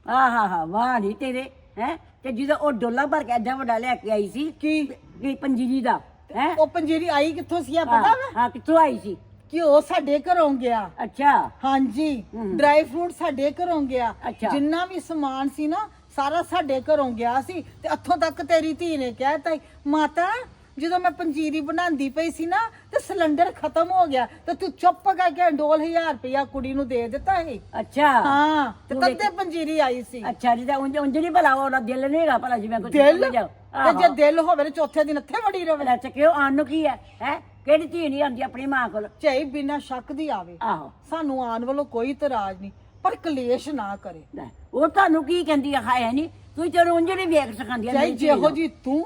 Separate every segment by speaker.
Speaker 1: ਹਾਂ ਵਾਹ ਨਹੀਂ ਤੇਰੇ ਹੈ। ਤੇ ਜਦੋਂ ਉਹ ਡੋਲਾ ਭਰ ਕੇ ਐਡਾ ਵੱਡਾ ਲੈ ਕੇ ਆਈ ਸੀ ਕੀ ਪੰਜੀਰੀ ਦਾ ਹੈ।
Speaker 2: ਉਹ ਪੰਜੀਰੀ ਆਈ ਕਿੱਥੋਂ ਸੀ ਆ ਪਤਾ ਵਾ?
Speaker 1: ਹਾਂ ਕਿੱਥੋਂ ਆਈ ਸੀ?
Speaker 2: ਕਿ ਉਹ ਸਾਡੇ ਘਰੋਂ ਗਿਆ।
Speaker 1: ਅੱਛਾ
Speaker 2: ਹਾਂਜੀ ਡਰਾਈ ਫਰੂਟ ਸਾਡੇ ਘਰੋਂ ਗਿਆ।
Speaker 1: ਅੱਛਾ।
Speaker 2: ਜਿੰਨਾ ਵੀ ਸਮਾਨ ਸੀ ਨਾ ਸਾਰਾ ਸਾਡੇ ਘਰੋਂ ਗਿਆ ਸੀ। ਤੇ ਇੱਥੋਂ ਤੱਕ ਤੇਰੀ ਧੀ ਨੇ ਕਹਿਤਾ ਮਾਤਾ ਜਦੋਂ ਮੈਂ ਪੰਜੀਰੀ ਬਣਾਉਂਦੀ ਪਈ ਸੀ ਨਾ ਤੇ ਸਿਲੰਡਰ ਖਤਮ ਹੋ ਗਿਆ ਤੇ ਤੂੰ ਚੁੱਪ ਕਰਕੇ ਡੋਲ 1000 ਰੁਪਇਆ ਕੁੜੀ ਨੂੰ ਦੇ ਦਿੱਤਾ ਸੀ।
Speaker 1: ਅੱਛਾ
Speaker 2: ਹਾਂ ਤੇ ਤੱਤੇ ਪੰਜੀਰੀ ਆਈ ਸੀ।
Speaker 1: ਅੱਛਾ ਜੀ ਤਾਂ ਉਂਝ ਨਹੀਂ ਭਲਾ ਉਹਦਾ ਦਿਲ ਨਹੀਂ ਹੈਗਾ ਭਲਾ ਜਿਵੇਂ ਕੁਝ
Speaker 2: ਦਿਲ ਤੇ ਜੇ ਦਿਲ ਹੋਵੇ ਤੇ ਚੌਥੇ ਦਿਨ ਇੱਥੇ ਵੜੀ ਰਵੇ।
Speaker 1: ਅੱਛਾ ਕਿਉਂ ਆਣ ਨੂੰ ਕੀ ਹੈ ਕਿਹੜੀ ਧੀ ਨਹੀਂ ਆਉਂਦੀ ਆਪਣੀ ਮਾਂ ਕੋਲ?
Speaker 2: ਚਾਹੀ ਬਿਨਾਂ ਸ਼ੱਕ ਦੀ ਆਵੇ।
Speaker 1: ਆਹੋ
Speaker 2: ਸਾਨੂੰ ਆਉਣ ਵੱਲੋਂ ਕੋਈ ਇਤਰਾਜ਼ ਨਹੀਂ ਪਰ ਕਲੇਸ਼ ਨਾ ਕਰੇ।
Speaker 1: ਲੈ, ਉਹ ਤੁਹਾਨੂੰ ਕੀ ਕਹਿੰਦੀ ਹੈ ਨਹੀਂ ਤੂੰ ਚਲੋ ਉਂਝ ਨਹੀਂ ਵੇਖ ਸਕਾਂਦੀ
Speaker 2: ਚਾਹੀ ਜਿਹੋ ਜੀ ਤੂੰ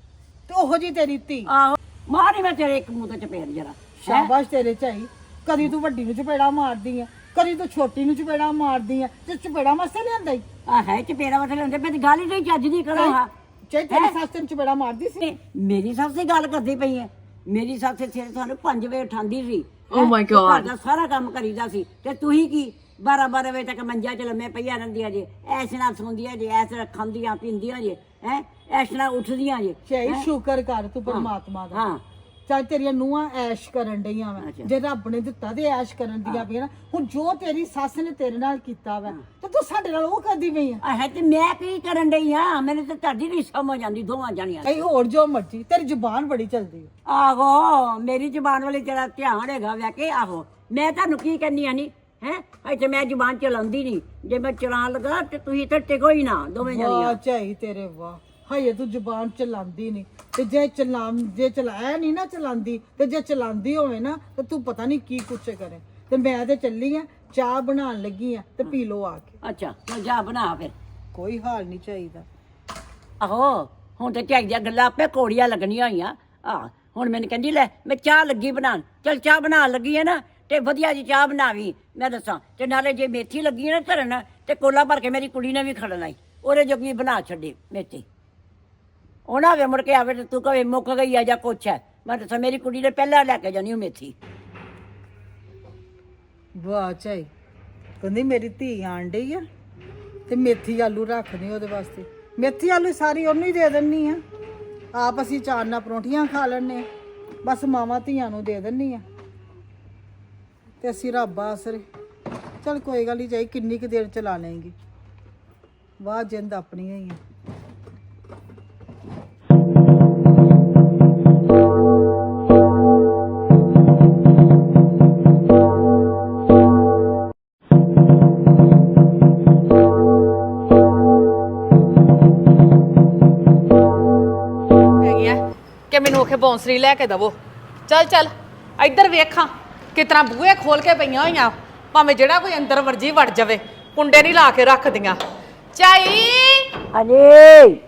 Speaker 2: ਤੇ ਉਹੋ ਜੀ ਤੇਰੀ ਧੀ।
Speaker 1: ਆਹੋ ਮਾਰੀ ਮੈਂ ਤੇਰੇ ਇੱਕ ਮੂੰਹ ਤੇ ਚਪੇੜ ਜਰਾ।
Speaker 2: ਸ਼ਾਬਾਸ਼ ਤੇਰੇ ਚਾਹੀ। ਕਦੀ ਤੂੰ ਵੱਡੀ ਨੂੰ ਚਪੇੜਾ ਮਾਰਦੀ ਆ ਕਦੀ ਤੂੰ ਛੋਟੀ ਨੂੰ ਚਪੇੜਾ ਮਾਰਦੀ ਆ ਤੇ ਚਪੇੜਾ ਮਸੇ ਲਿਆਂਦਾ ਹੀ
Speaker 1: ਆ ਹੈ ਚਪੇੜਾ ਵਟ ਲੈਂਦੇ ਮੈਂ ਗੱਲ ਹੀ ਨਹੀਂ ਚੱਜ ਦੀ ਕਰੋ ਹਾਂ।
Speaker 2: ਚਾਹੀ ਤੇਰੀ ਸੱਸ ਤੈਨੂੰ ਚਪੇੜਾ ਮਾਰਦੀ ਸੀ।
Speaker 1: ਮੇਰੀ ਸੱਸ ਦੀ ਗੱਲ ਕਰਦੀ ਪਈ ਹੈ। ਮੇਰੀ ਸੱਸ ਸਵੇਰੇ ਸਾਨੂੰ 5 ਵਜੇ ਉਠਾਉਂਦੀ ਸੀ।
Speaker 3: ਓ ਮਾਈ ਗॉड
Speaker 1: ਘਰ ਦਾ ਸਾਰਾ ਕੰਮ ਕਰੀਦਾ ਸੀ ਤੇ ਤੁਸੀਂ ਕੀ 12 ਵਜੇ ਤੱਕ ਮੰਜਾ ਚ ਲੰਮੇ ਪਈਆਂ ਰਹਿੰਦੀਆਂ ਜੇ ਐਸ ਨਾਲ ਸੌਂਦੀਆਂ ਜੇ ਐਸ ਨਾਲ ਖਾਂਦੀਆਂ ਪੀਂਦੀਆਂ ਜੇ ਹੈ ਐਸ ਨਾਲ ਉੱਠਦੀਆਂ ਜੇ।
Speaker 2: ਚਾਹੀ ਸ਼ੁਕਰ ਕਰ ਤੂੰ ਪਰਮਾਤਮਾ ਦਾ।
Speaker 1: ਹਾਂ
Speaker 2: ਚਾਹੇ ਤੇਰੀਆਂ ਨੂੰਹਾਂ ਐਸ਼ ਕਰਨ ਡਈਆਂ ਵਾ
Speaker 1: ਅੱਛਾ।
Speaker 2: ਜੇ ਰੱਬ ਨੇ ਦਿੱਤਾ ਤੇ ਐਸ਼ ਕਰਨ ਦੀਆਂ ਪਈਆਂ ਨਾ। ਹੁਣ ਜੋ ਤੇਰੀ ਸੱਸ ਨੇ ਤੇਰੇ ਨਾਲ ਕੀਤਾ ਵਾ ਤੇ ਤੂੰ ਸਾਡੇ ਨਾਲ ਉਹ ਕਰਦੀ ਪਈ ਆ।
Speaker 1: ਹੈ ਤੇ ਮੈਂ ਕੀ ਕਰਨ ਡਈ ਆ? ਮੈਨੂੰ ਤਾਂ ਤੁਹਾਡੀ ਨਹੀਂ ਸਮਝ ਆਉਂਦੀ ਦੋਵਾਂ ਜਾਣੀਆਂ ਦੀ।
Speaker 2: ਐ ਹੋਰ ਜੋ ਮਰਜੀ ਤੇਰੀ ਜ਼ੁਬਾਨ ਬੜੀ ਚੱਲਦੀ ਆ।
Speaker 1: ਆਹੋ ਮੇਰੀ ਜ਼ੁਬਾਨ ਵਾਲੀ ਤੇਰਾ ਧਿਆਨ ਹੈਗਾ ਵੈ ਕਿ ਆਹੋ ਮੈਂ ਤੁਹਾਨੂੰ ਕੀ ਕਹਿੰਦੀ ਆ ਨਹੀਂ ਹੈ ਇੱਥੇ ਮੈਂ ਜ਼ੁਬਾਨ ਚਲਾਉਂਦੀ ਨਹੀਂ। ਜੇ ਮੈਂ ਚਲਾਉਣ ਲੱਗਾ ਤੇ ਤੁਸੀਂ ਇੱਥੇ ਟਿਕੋ ਹੀ ਨਾ ਦੋਵੇਂ
Speaker 2: ਵਾਹ
Speaker 1: ਜਾਣੀਆਂ।
Speaker 2: ਚਾਹੀ ਤੇਰੇ ਵਾਹ ਹਏ ਤੂੰ ਜ਼ੁਬਾਨ ਚਲਾਉਂਦੀ ਨਹੀਂ ਤੇ ਜੇ ਚਲਾਇਆ ਨਹੀਂ ਨਾ ਚਲਾਉਂਦੀ ਤੇ ਜੇ ਚਲਾਉਂਦੀ ਹੋਵੇ ਨਾ ਤੇ ਤੂੰ ਪਤਾ ਨਹੀਂ ਕੀ ਕੁਛ ਕਰੇ। ਤੇ ਮੈਂ ਤੇ ਚੱਲੀ ਆ ਚਾਹ ਬਣਾਉਣ ਲੱਗੀ ਆ ਤੇ ਪੀ ਲੋ ਆ ਕੇ।
Speaker 1: ਅੱਛਾ ਚੱਲ ਜਾ ਬਣਾ ਫਿਰ।
Speaker 2: ਕੋਈ ਹਾਲ ਨਹੀਂ ਚਾਹੀਦਾ।
Speaker 1: ਆਹੋ ਹੁਣ ਤੇ ਝਾਈ ਦੀਆਂ ਗੱਲਾਂ ਆਪੇ ਕੋੜੀਆਂ ਲੱਗਣੀਆਂ ਹੋਈਆਂ। ਹੁਣ ਮੈਨੂੰ ਕਹਿੰਦੀ ਲੈ ਮੈਂ ਚਾਹ ਲੱਗੀ ਬਣਾਉਣ। ਚੱਲ ਚਾਹ ਬਣਾਉਣ ਲੱਗੀ ਹੈ ਨਾ ਤੇ ਵਧੀਆ ਜੀ ਚਾਹ ਬਣਾਵੀ ਮੈਂ ਦੱਸਾਂ। ਤੇ ਨਾਲੇ ਜੇ ਮੇਥੀ ਲੱਗੀ ਹੈ ਨਾ ਧਰਨ ਤੇ ਕੋਲਾ ਭਰ ਕੇ ਮੇਰੀ ਕੁੜੀ ਨੇ ਵੀ ਖੜਨਾ ਈ ਉਹਦੇ ਜੋਗੀ ਬਣਾ ਛੱਡੀ ਮੇਥੀ। ਉਹਨਾਂ ਵੇ ਮੁੜ ਕੇ ਆਵੇ ਤੇ ਤੂੰ ਕਵੇ ਮੁੱਕ ਗਈ ਆ ਜਾਂ ਕੁਛ ਹੈ। ਮੈਂ ਦੱਸਾਂ ਮੇਰੀ ਕੁੜੀ ਨੇ ਪਹਿਲਾਂ ਲੈ ਕੇ ਜਾਣੀ ਉਹ ਮੇਥੀ।
Speaker 2: ਵਾਹ ਚਾਹੀ ਕਹਿੰਦੀ ਮੇਰੀ ਧੀ ਆਣ ਡਈ ਆ ਤੇ ਮੇਥੀ ਆਲੂ ਰੱਖਦੇ ਉਹਦੇ ਵਾਸਤੇ। ਮੇਥੀ ਆਲੂ ਸਾਰੀ ਉਹਨੂੰ ਹੀ ਦੇ ਦਿੰਨੀ ਆ। ਆਪ ਅਸੀਂ ਚਾਰ ਨਾਲ ਪਰੌਂਠੀਆਂ ਖਾ ਲੈਣੇ ਬਸ ਮਾਵਾਂ ਧੀਆਂ ਨੂੰ ਦੇ ਦਿੰਨੀ ਆ ਤੇ ਅਸੀਂ ਰੱਬ ਆਸਰੇ। ਚਲ ਕੋਈ ਗੱਲ ਨਹੀਂ ਚਾਹੀ ਕਿੰਨੀ ਕੁ ਦੇਰ ਚਲਾ ਲਏਗੀ। ਵਾਹ ਜਿੰਦ ਆਪਣੀ ਹੀ ਆ।
Speaker 3: ਕਿ ਮੈਨੂੰ ਆਖੇ ਬੌਂਸਰੀ ਲੈ ਕੇ ਦਵੋ। ਚੱਲ ਚੱਲ ਇੱਧਰ ਵੇਖਾਂ ਕਿਤਨਾ ਬੂਹੇ ਖੋਲ ਕੇ ਪਈਆਂ ਹੋਈਆਂ ਭਾਵੇਂ ਜਿਹੜਾ ਕੋਈ ਅੰਦਰ ਵਰਜੀ ਵੜ ਜਾਵੇ ਕੁੰਡੇ ਨਹੀਂ ਲਾ ਕੇ ਰੱਖਦੀਆਂ। ਚਾਈ
Speaker 1: ਹਾਂਜੀ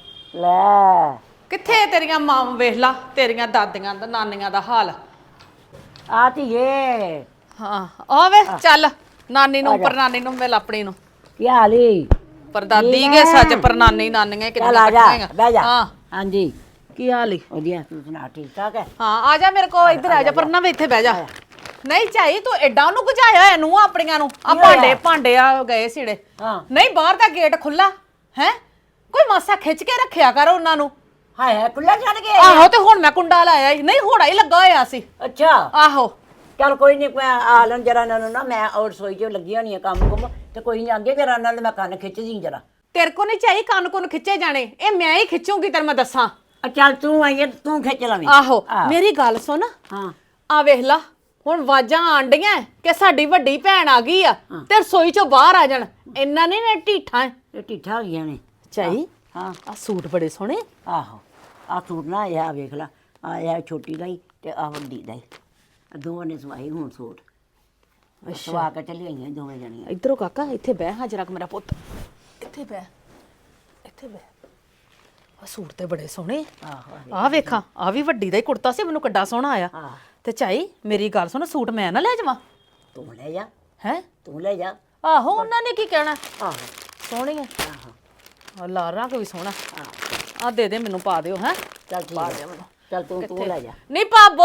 Speaker 1: ਲੈ
Speaker 3: ਕਿੱਥੇ ਤੇਰੀਆਂ ਮਾਂ ਵੇਖ ਲਾ ਤੇਰੀਆਂ ਦਾਦੀਆਂ ਦਾ ਨਾਨੀਆਂ ਦਾ ਹਾਲ।
Speaker 1: ਆ ਧੀਏ
Speaker 3: ਹਾਂ ਆ ਵੇ ਚੱਲ ਨਾਨੀ ਨੂੰ ਪਰਨਾਨੀ ਨੂੰ ਮਿਲ ਆਪਣੀ ਨੂੰ।
Speaker 1: ਕੀ ਹਾਲ ਈ?
Speaker 3: ਪਰਦਾਦੀ ਕੇ ਸੱਚ ਪਰਨਾਨੀ ਨਾਨੀਆਂ
Speaker 1: ਚੱਲ ਆ ਜਾ
Speaker 3: ਕਿੰਨੀਆਂ
Speaker 1: ਬਹਿ ਜਾ।
Speaker 3: ਹਾਂ
Speaker 1: ਹਾਂਜੀ
Speaker 3: ਕੀ ਹਾਲ ਈ?
Speaker 1: ਵਧੀਆ ਤੂੰ ਸੁਣਾ ਠੀਕ ਠਾਕ ਹੈ?
Speaker 3: ਹਾਂ ਆ ਜਾ ਮੇਰੇ ਕੋਲ ਇੱਧਰ ਆ ਜਾ ਪਰਨਾ ਵੇ ਇੱਥੇ ਬਹਿ ਜਾ। ਨਹੀਂ ਚਾਹੀ ਤੂੰ ਐਡਾ ਉਹਨੂੰ ਗੁਜਾਇਆ ਹੋਇਆ ਨੂੰ ਆਪਣੀਆਂ ਨੂੰ ਆ ਭਾਂਡੇ ਭਾਂਡੇ ਆ ਗਏ ਸਿੜੇ। ਨਹੀਂ ਬਾਹਰ ਦਾ ਗੇਟ ਖੁੱਲਾ ਹੈ ਕੋਈ ਮਾਸਾ ਖਿੱਚ ਕੇ ਰੱਖਿਆ ਕਰ ਉਹਨਾਂ ਨੂੰ।
Speaker 1: ਹਾਏ ਖੁੱਲਾ ਛੱਡ ਕੇ
Speaker 3: ਆਹੋ ਤੇ ਹੁਣ ਮੈਂ ਕੁੰਡਾ ਲਾਇਆ ਨਹੀਂ ਹੋੜਾ ਹੀ ਲੱਗਾ ਹੋਇਆ ਸੀ।
Speaker 1: ਅੱਛਾ
Speaker 3: ਆਹੋ
Speaker 1: ਚੱਲ ਕੋਈ ਨਹੀਂ ਆ ਲੈਣ ਜਰਾ ਇਹਨਾਂ ਨੂੰ ਨਾ ਮੈਂ ਔਰ ਸੋਈ ਚ ਲੱਗੀ ਹੋਣੀ ਆ ਕੰਮ ਕੁਮ ਤੇ ਕੋਈ ਨਹੀਂ ਆਂਦੇ ਜਰਾ ਨਾਲ ਮੈਂ ਕੰਨ ਖਿੱਚਦੀ ਜਰਾ।
Speaker 3: ਤੇਰੇ ਕੋ ਨਹੀਂ ਚਾਹੀ ਕੰਨ ਕੁੰਨ ਖਿੱਚੇ ਜਾਣੇ ਇਹ ਮੈਂ ਹੀ ਖਿੱਚੂਗੀ ਤੈਨੂੰ ਮੈਂ ਦੱਸਾਂ।
Speaker 1: ਚੱਲ ਤੂੰ ਆਈ ਤੂੰ ਖਿੱਚ ਲਵੀਂ।
Speaker 3: ਆਹੋ ਮੇਰੀ ਗੱਲ ਸੁਣ।
Speaker 1: ਹਾਂ
Speaker 3: ਆ ਵੇਖ ਲਾ ਹੁਣ ਵਾਜਾਂ ਆਣ ਡੀਆਂ ਕਿ ਸਾਡੀ ਵੱਡੀ ਭੈਣ ਆ ਗਈ ਆ ਤੇ ਰਸੋਈ ਚੋਂ ਬਾਹਰ ਆ ਜਾਣ। ਇੰਨਾ ਨਹੀਂ ਨੇ ਢੀਠਾਂ
Speaker 1: ਇਹ ਢੀਠਾ ਹੋ ਗਈਆਂ ਨੇ।
Speaker 3: ਚਾਹੀ
Speaker 1: ਹਾਂ
Speaker 3: ਆ ਸੂਟ ਬੜੇ ਸੋਹਣੇ।
Speaker 1: ਆਹੋ ਆ ਸੂਟ ਨਾ ਇਹ ਵੇਖ ਲਾ ਆ ਇਹ ਛੋਟੀ ਦਾ ਹੀ ਤੇ ਆ ਵੱਡੀ ਦਾ ਹੀ ਦੋਵਾਂ ਨੇ ਸਵਾਈ ਹੁਣ ਸੂਟ ਸਵਾ ਕੇ ਚੱਲੀ ਆਈਆਂ ਦੋਵੇਂ ਜਣੀਆਂ।
Speaker 3: ਇੱਧਰੋਂ ਕਾਕਾ ਇੱਥੇ ਬਹਿ ਹਾਂ ਜਰਾ ਮੇਰਾ ਪੁੱਤ ਇੱਥੇ ਬਹਿ ਇੱਥੇ ਬਹਿ। ਆ ਸੂਟ ਤੇ ਬੜੇ ਸੋਹਣੇ।
Speaker 1: ਆਹੋ
Speaker 3: ਆ ਵੇਖਾਂ ਆ ਵੀ ਵੱਡੀ ਦਾ ਹੀ ਕੁੜਤਾ ਸੀ ਮੈਨੂੰ ਕਿੱਡਾ ਸੋਹਣਾ ਆਇਆ। ਤੇ ਚਾਈ ਮੇਰੀ ਗੱਲ ਸੁਣ ਸੂਟ ਮੈਂ ਨਾ ਲੈ ਜਾਵਾਂ?
Speaker 1: ਤੂੰ ਲੈ ਜਾ।
Speaker 3: ਹੈ
Speaker 1: ਤੂੰ ਲੈ ਜਾ।
Speaker 3: ਆਹੋ ਉਹਨਾਂ ਨੇ ਕੀ ਕਹਿਣਾ।
Speaker 1: ਆਹੋ
Speaker 3: ਸੋਹਣੀ ਹੈ।
Speaker 1: ਆਹੋ
Speaker 3: ਆ ਲਾਲ ਰੰਗ ਵੀ ਸੋਹਣਾ। ਆ ਦੇ ਦੇ ਮੈਨੂੰ ਪਾ ਦਿਓ ਹੈ।
Speaker 1: ਚੱਲ ਠੀਕ ਹੈ ਚੱਲ ਤੂੰ ਲੈ ਜਾ।
Speaker 3: ਨਹੀਂ ਭਾਬੋ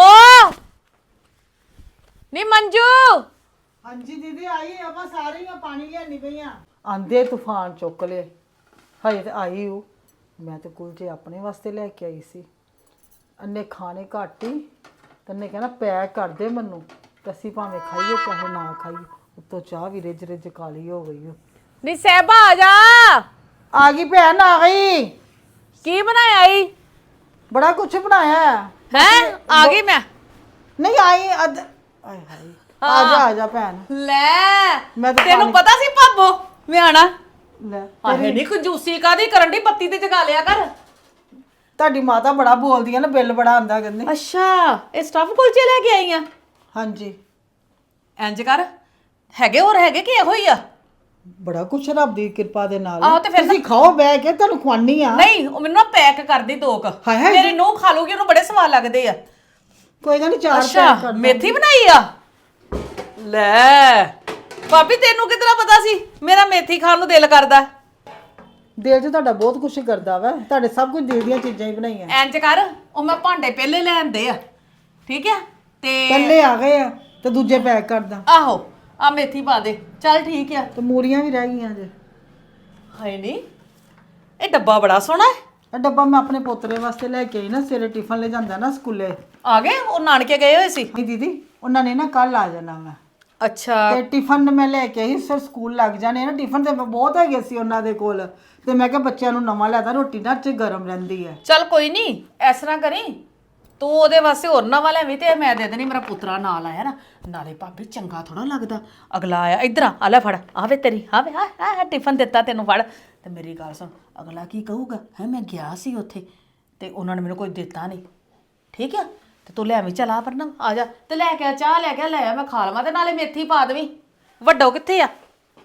Speaker 3: ਨਹੀਂ ਮੰਜੂ।
Speaker 2: ਹਾਂਜੀ ਦੀਦੀ ਆਈ ਆਪਾਂ ਸਾਰੇ ਪਾਣੀ ਲਿਆਣੀ ਪਈਆਂ। ਆਂਦੇ ਤੂਫਾਨ ਚੁੱਕ ਲਏ। ਹਜੇ ਤੇ ਆਈ ਉਹ, ਮੈਂ ਤੇ ਕੁਲਚੇ ਆਪਣੇ ਵਾਸਤੇ ਲੈ ਕੇ ਆਈ ਸੀ। ਅੰਨੇ ਖਾਣੇ ਘੱਟ ਹੀ ਤੇ ਉਹਨੇ ਕਹਿਣਾ ਪੈਕ ਕਰ ਦੇ ਮੈਨੂੰ, ਤੇ ਅਸੀਂ ਭਾਵੇਂ ਖਾਈਏ ਚਾਹੇ ਨਾ ਖਾਈਏ। ਉੱਤੋਂ ਚਾਹ ਵੀ ਰਿੱਝ ਰਿੱਝ ਕਾਲੀ ਹੋ ਗਈ।
Speaker 3: ਨੀ ਸਹਿਬਾ ਆ ਜਾ।
Speaker 2: ਆ ਗਈ ਭੈਣ, ਆ ਗਈ।
Speaker 3: ਕੀ ਬਣਾਇਆ ਈ?
Speaker 2: ਬੜਾ ਕੁਛ ਬਣਾਇਆ
Speaker 3: ਹੈ ਆ ਗਈ ਮੈਂ।
Speaker 2: ਨਹੀਂ ਆਈ ਆਏ ਹਾਏ, ਆ ਜਾ ਭੈਣ।
Speaker 3: ਲੈ
Speaker 2: ਮੈਂ ਤਾਂ
Speaker 3: ਤੈਨੂੰ ਪਤਾ ਸੀ ਭਾਬੋ ਮੈਂ ਆਣਾ।
Speaker 2: ਲੈ
Speaker 3: ਆਹੇ ਨਹੀਂ ਕੰਜੂਸੀ ਕਾਦੀ ਕਰਨ ਦੀ, ਬੱਤੀ ਤੇ ਜਗਾ ਲਿਆ ਕਰ।
Speaker 2: ਤੁਹਾਡੀ ਮਾਤਾ ਬੜਾ ਬੋਲਦੀ ਆ ਨਾ, ਬਿੱਲ ਬੜਾ ਆਂਦਾ ਕਹਿੰਦੇ।
Speaker 3: ਅੱਛਾ ਇਹ ਸਟਫ ਕੁਲਚੇ ਲੈ ਕੇ ਆਈ ਆ?
Speaker 2: ਹਾਂਜੀ।
Speaker 3: ਇੰਜ ਕਰ, ਹੈਗੇ ਹੋਰ ਹੈਗੇ ਕਿ ਇਹੋ ਹੀ ਆ?
Speaker 2: ਬੜਾ ਕੁਛ ਰੱਬ ਦੀ ਕਿਰਪਾ ਦੇ ਨਾਲ।
Speaker 3: ਆਹੋ ਤੇ ਫਿਰ
Speaker 2: ਤੁਸੀਂ ਖਾਓ ਬਹਿ ਕੇ, ਤੁਹਾਨੂੰ ਖਵਾਨੀ ਆ।
Speaker 3: ਨਹੀਂ ਉਹ ਮੈਨੂੰ ਨਾ ਪੈਕ ਕਰ ਦੇ ਦੋ ਕ।
Speaker 2: ਹਾਏ ਹਾਏ।
Speaker 3: ਮੇਰੀ ਨੂੰਹ ਖਾ ਲੂਗੀ, ਉਹਨੂੰ ਬੜੇ ਸਵਾਦ ਲੱਗਦੇ ਆ।
Speaker 2: ਕੋਈ ਗੱਲ ਨਹੀਂ, ਚਾਰ
Speaker 3: ਅੱਛਾ
Speaker 2: ਪੈਕ ਕਰ ਦਿਓ।
Speaker 3: ਮੇਥੀ ਬਣਾਈ ਆ? ਲੈ ਭਾਬੀ ਤੈਨੂੰ ਕਿਤਨਾ ਪਤਾ ਸੀ ਮੇਰਾ ਮੇਥੀ ਖਾਣ ਨੂੰ ਦਿਲ ਕਰਦਾ?
Speaker 2: ਦਿਲ 'ਚ ਤੁਹਾਡਾ ਬਹੁਤ ਕੁਛ ਕਰਦਾ ਵਾ, ਤੁਹਾਡੇ ਸਭ ਕੁਝ ਦਿਲ ਦੀਆਂ ਚੀਜ਼ਾਂ ਹੀ ਬਣਾਈਆਂ।
Speaker 3: ਇੰਜ ਕਰ, ਉਹ ਮੈਂ ਭਾਂਡੇ ਪਹਿਲੇ ਲੈ ਆਂਦੇ ਆ, ਠੀਕ ਆ? ਤੇ
Speaker 2: ਪਹਿਲੇ ਆ ਗਏ ਆ ਤੇ ਦੂਜੇ ਪੈਕ ਕਰਦਾ।
Speaker 3: ਆਹੋ ਆ ਮੇਥੀ ਪਾ ਦੇ, ਚੱਲ ਠੀਕ ਆ।
Speaker 2: ਤੇ ਮੂਲੀਆਂ ਵੀ ਰਹਿ ਗਈਆਂ ਜੇ।
Speaker 3: ਹਾਏ ਨਹੀਂ ਇਹ ਡੱਬਾ ਬੜਾ ਸੋਹਣਾ ਹੈ।
Speaker 2: ਇਹ ਡੱਬਾ ਮੈਂ ਆਪਣੇ ਪੋਤਰੇ ਵਾਸਤੇ ਲੈ ਕੇ ਆਈ ਨਾ, ਸਵੇਰੇ ਟਿਫਨ ਲੈ ਜਾਂਦਾ ਨਾ ਸਕੂਲੇ।
Speaker 3: ਆ ਗਏ ਉਹ ਨਾਨਕੇ ਗਏ ਹੋਏ ਸੀ?
Speaker 2: ਨਹੀਂ ਦੀਦੀ, ਉਹਨਾਂ ਨੇ ਨਾ ਕੱਲ ਆ ਜਾਣਾ ਵਾ।
Speaker 3: ਅੱਛਾ
Speaker 2: ਤੇ ਟਿਫਨ ਮੈਂ ਲੈ ਕੇ ਆਈ, ਸਰ ਸਕੂਲ ਲੱਗ ਜਾਣੇ ਨਾ, ਟਿਫਨ ਤੇ ਬਹੁਤ ਹੈਗੇ ਸੀ ਉਹਨਾਂ ਦੇ ਕੋਲ। ਤੇ ਮੈਂ ਕਿਹਾ ਬੱਚਿਆਂ ਨੂੰ ਨਵਾਂ ਲਿਆਦਾ, ਰੋਟੀ ਨਾ ਚ ਗਰਮ ਰਹਿੰਦੀ ਹੈ।
Speaker 3: ਚੱਲ ਕੋਈ ਨਹੀਂ, ਇਸ ਤਰ੍ਹਾਂ ਕਰੀ ਤੂੰ ਉਹਦੇ ਵਾਸਤੇ ਹੋਰ ਨਵਾਂ ਲੈਵੀਂ ਤੇ ਮੈਂ ਦੇ ਦੇਣੀ। ਮੇਰਾ ਪੁੱਤਰਾ ਨਾਲ ਆਇਆ ਨਾ, ਨਾਲੇ ਭਾਬੀ ਚੰਗਾ ਥੋੜਾ ਲੱਗਦਾ ਅਗਲਾ ਆਇਆ ਇੱਧਰ ਆ ਲੈ ਫੜ ਆਵੇ ਤੇਰੀ ਆਵੇ ਆ ਟਿਫਨ ਦਿੱਤਾ ਤੈਨੂੰ ਫੜ। ਤੇ ਮੇਰੀ ਗੱਲ ਸੁਣ, ਅਗਲਾ ਕੀ ਕਹੂਗਾ? ਹੈ ਮੈਂ ਗਿਆ ਸੀ ਉੱਥੇ ਤੇ ਉਹਨਾਂ ਨੇ ਮੈਨੂੰ ਕੋਈ ਦਿੱਤਾ ਨਹੀਂ, ਠੀਕ ਆ? ਤੇ ਤੂੰ ਲੈ ਆਵੀਂ, ਚੱਲ ਆ ਪਰਨਾ ਆ ਜਾ ਤੇ ਲੈ ਕੇ ਆ, ਚਾਹ ਲੈ ਕੇ ਲੈ ਆ, ਮੈਂ ਖਾ ਲਵਾਂ ਤੇ ਨਾਲੇ ਮੇਥੀ ਪਾ ਦੇਵੀਂ। ਵੱਡੋ ਕਿੱਥੇ ਆ?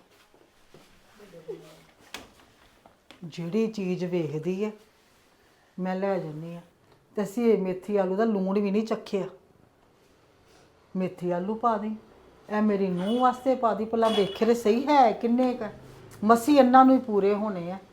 Speaker 2: ਜਿਹੜੀ ਚੀਜ਼ ਵੇਖਦੀ ਹੈ ਮੈਂ ਲੈ ਜਾਂਦੀ ਆ। ਤੇ ਅਸੀਂ ਮੇਥੀ ਆਲੂ ਦਾ ਲੂਣ ਵੀ ਨਹੀਂ ਚੱਖਿਆ। ਮੇਥੀ ਆਲੂ ਪਾ ਦੇ, ਇਹ ਮੇਰੀ ਨੂੰਹ ਵਾਸਤੇ ਪਾ ਦੀ, ਭਲਾ ਵੇਖੇ ਤੇ ਸਹੀ ਹੈ ਕਿੰਨੇ ਕ ਮਸੀ ਇਹਨਾਂ ਨੂੰ ਹੀ ਪੂਰੇ ਹੋਣੇ ਆ।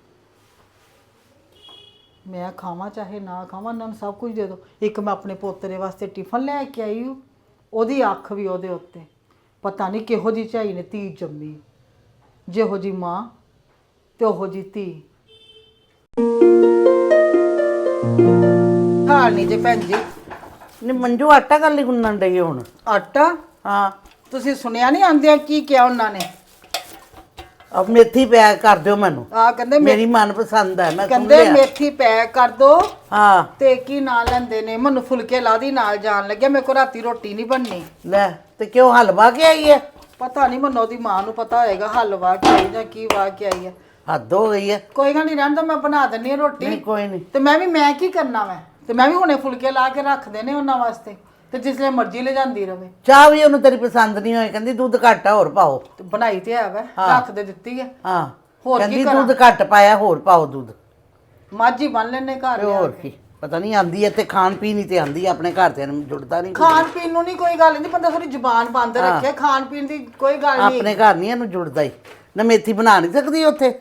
Speaker 2: ਮੈਂ ਖਾਵਾਂ ਚਾਹੇ ਨਾ ਖਾਵਾਂ, ਇਹਨਾਂ ਨੂੰ ਸਭ ਕੁਝ ਦੇ ਦਿਓ। ਇੱਕ ਮੈਂ ਆਪਣੇ ਪੋਤਰੇ ਵਾਸਤੇ ਟਿਫਨ ਲੈ ਕੇ ਆਈ ਹੂੰ, ਉਹਦੀ ਅੱਖ ਵੀ ਉਹਦੇ ਉੱਤੇ। ਪਤਾ ਨਹੀਂ ਕਿਹੋ ਜਿਹੀ ਝਾਈ ਨੇ ਧੀ ਜੰਮੀ, ਜਿਹੋ ਜਿਹੀ ਮਾਂ ਤੇ ਉਹੋ ਜਿਹੀ ਧੀ। ਹਾਲ ਨਹੀਂ ਜੇ ਭੈਣ ਜੀ।
Speaker 4: ਨੀ ਮੰਜੂ ਆਟਾ ਕਰ ਲਈ ਗੁੰਨਣ ਡਈ ਹੁਣ।
Speaker 2: ਆਟਾ?
Speaker 4: ਹਾਂ
Speaker 2: ਤੁਸੀਂ ਸੁਣਿਆ ਨਹੀਂ ਆਂਦਿਆਂ ਕੀ ਕਿਹਾ ਉਹਨਾਂ ਨੇ?
Speaker 4: ਅਬ ਮੇਥੀ ਪੈਕ ਕਰ ਦਿਓ ਮੈਨੂੰ,
Speaker 2: ਆ ਕਹਿੰਦੇ
Speaker 4: ਮੇਰੀ ਮਨਪਸੰਦ ਹੈ, ਮੈਂ ਸੁਣ
Speaker 2: ਕਹਿੰਦੇ
Speaker 4: ਲਿਆ।
Speaker 2: ਮੇਥੀ ਪੈਕ ਕਰ ਦੋ।
Speaker 4: ਹਾਂ
Speaker 2: ਤੇ ਕੀ ਨਾਂ ਲੈਂਦੇ ਨੇ, ਮੈਨੂੰ ਫੁਲਕੇ ਲਾ ਦੀ ਨਾਲ ਜਾਣ ਲੱਗਿਆ। ਮੇਰੇ ਕੋਲ ਰਾਤੀ ਰੋਟੀ ਨਹੀਂ ਬਣਨੀ।
Speaker 4: ਲੈ ਤੇ ਕਿਉਂ ਹਲਵਾ ਕੇ ਆਈ ਹੈ?
Speaker 2: ਪਤਾ ਨਹੀਂ, ਮੈਨੂੰ ਉਹਦੀ ਮਾਂ ਨੂੰ ਪਤਾ ਹੋਏਗਾ ਹਲਵਾ ਕੇ ਆਈ ਜਾਂ ਕੀ ਵਾ ਕੇ ਆਈ ਹੈ।
Speaker 4: ਹੱਦ ਹੋ ਗਈ ਹੈ।
Speaker 2: ਕੋਈ ਗੱਲ ਨਹੀਂ, ਰਹਿਣ ਦੋ, ਮੈਂ ਬਣਾ ਦਿੰਨੀ ਆ ਰੋਟੀ।
Speaker 4: ਨਹੀਂ ਕੋਈ ਨਹੀਂ।
Speaker 2: ਤੇ ਮੈਂ ਕੀ ਕਰਨਾ ਵਾ? ਤੇ ਮੈਂ ਵੀ ਹੁਣੇ ਫੁਲਕੇ ਲਾ ਕੇ ਰੱਖ ਦੇਣੇ ਉਹਨਾਂ ਵਾਸਤੇ, ਤੇ ਜਿਸਲੇ ਮਰਜ਼ੀ ਲੈ ਜਾਂਦੀ ਰਵੇ।
Speaker 4: ਚਾਹ ਵੀ ਉਹਨੂੰ ਤੇਰੀ ਪਸੰਦ ਨਹੀਂ ਹੋਈ, ਕਹਿੰਦੀ ਦੁੱਧ ਘੱਟ ਆ ਹੋਰ ਪਾਓ।
Speaker 2: ਤੇ ਬਣਾਈ ਤੇ ਹੈ ਵਾ, ਰੱਖ ਦੇ ਦਿੱਤੀ ਹੈ।
Speaker 4: ਹਾਂ
Speaker 2: ਹੋਰ
Speaker 4: ਕਹਿੰਦੀ
Speaker 2: ਕੀ ਕਰਾਂ?
Speaker 4: ਦੁੱਧ ਘੱਟ ਪਾਇਆ, ਹੋਰ ਪਾਓ ਦੁੱਧ।
Speaker 2: ਮਾਝੀ ਬਣ ਲੈਣੇ ਘਰ
Speaker 4: ਤੇ
Speaker 2: ਲਿਆ
Speaker 4: ਹੋਰ
Speaker 2: ਕੇ।
Speaker 4: ਕੀ, ਪਤਾ ਨਹੀਂ ਆਂਦੀ ਹੈ ਤੇ ਖਾਣ ਪੀਣ ਹੀ ਤੇ ਆਂਦੀ ਹੈ, ਆਪਣੇ ਘਰ ਤੇ ਜੁੜਦਾ ਨਹੀਂ।
Speaker 2: ਖਾਣ ਪੀਣ ਨੂੰ ਨਹੀਂ ਕੋਈ ਗੱਲ ਨਹੀਂ, ਬੰਦਾ ਥੋੜੀ ਜ਼ੁਬਾਨ ਬੰਦ ਰੱਖੇ, ਖਾਣ ਪੀਣ ਦੀ ਕੋਈ ਗੱਲ ਨਹੀਂ।
Speaker 4: ਆਪਣੇ ਘਰ ਨਹੀਂ ਇਹਨੂੰ ਜੁੜਦਾ ਹੀ ਨਾ। ਮੇਥੀ ਬਣਾ ਨਹੀਂ ਸਕਦੀ ਉੱਥੇ?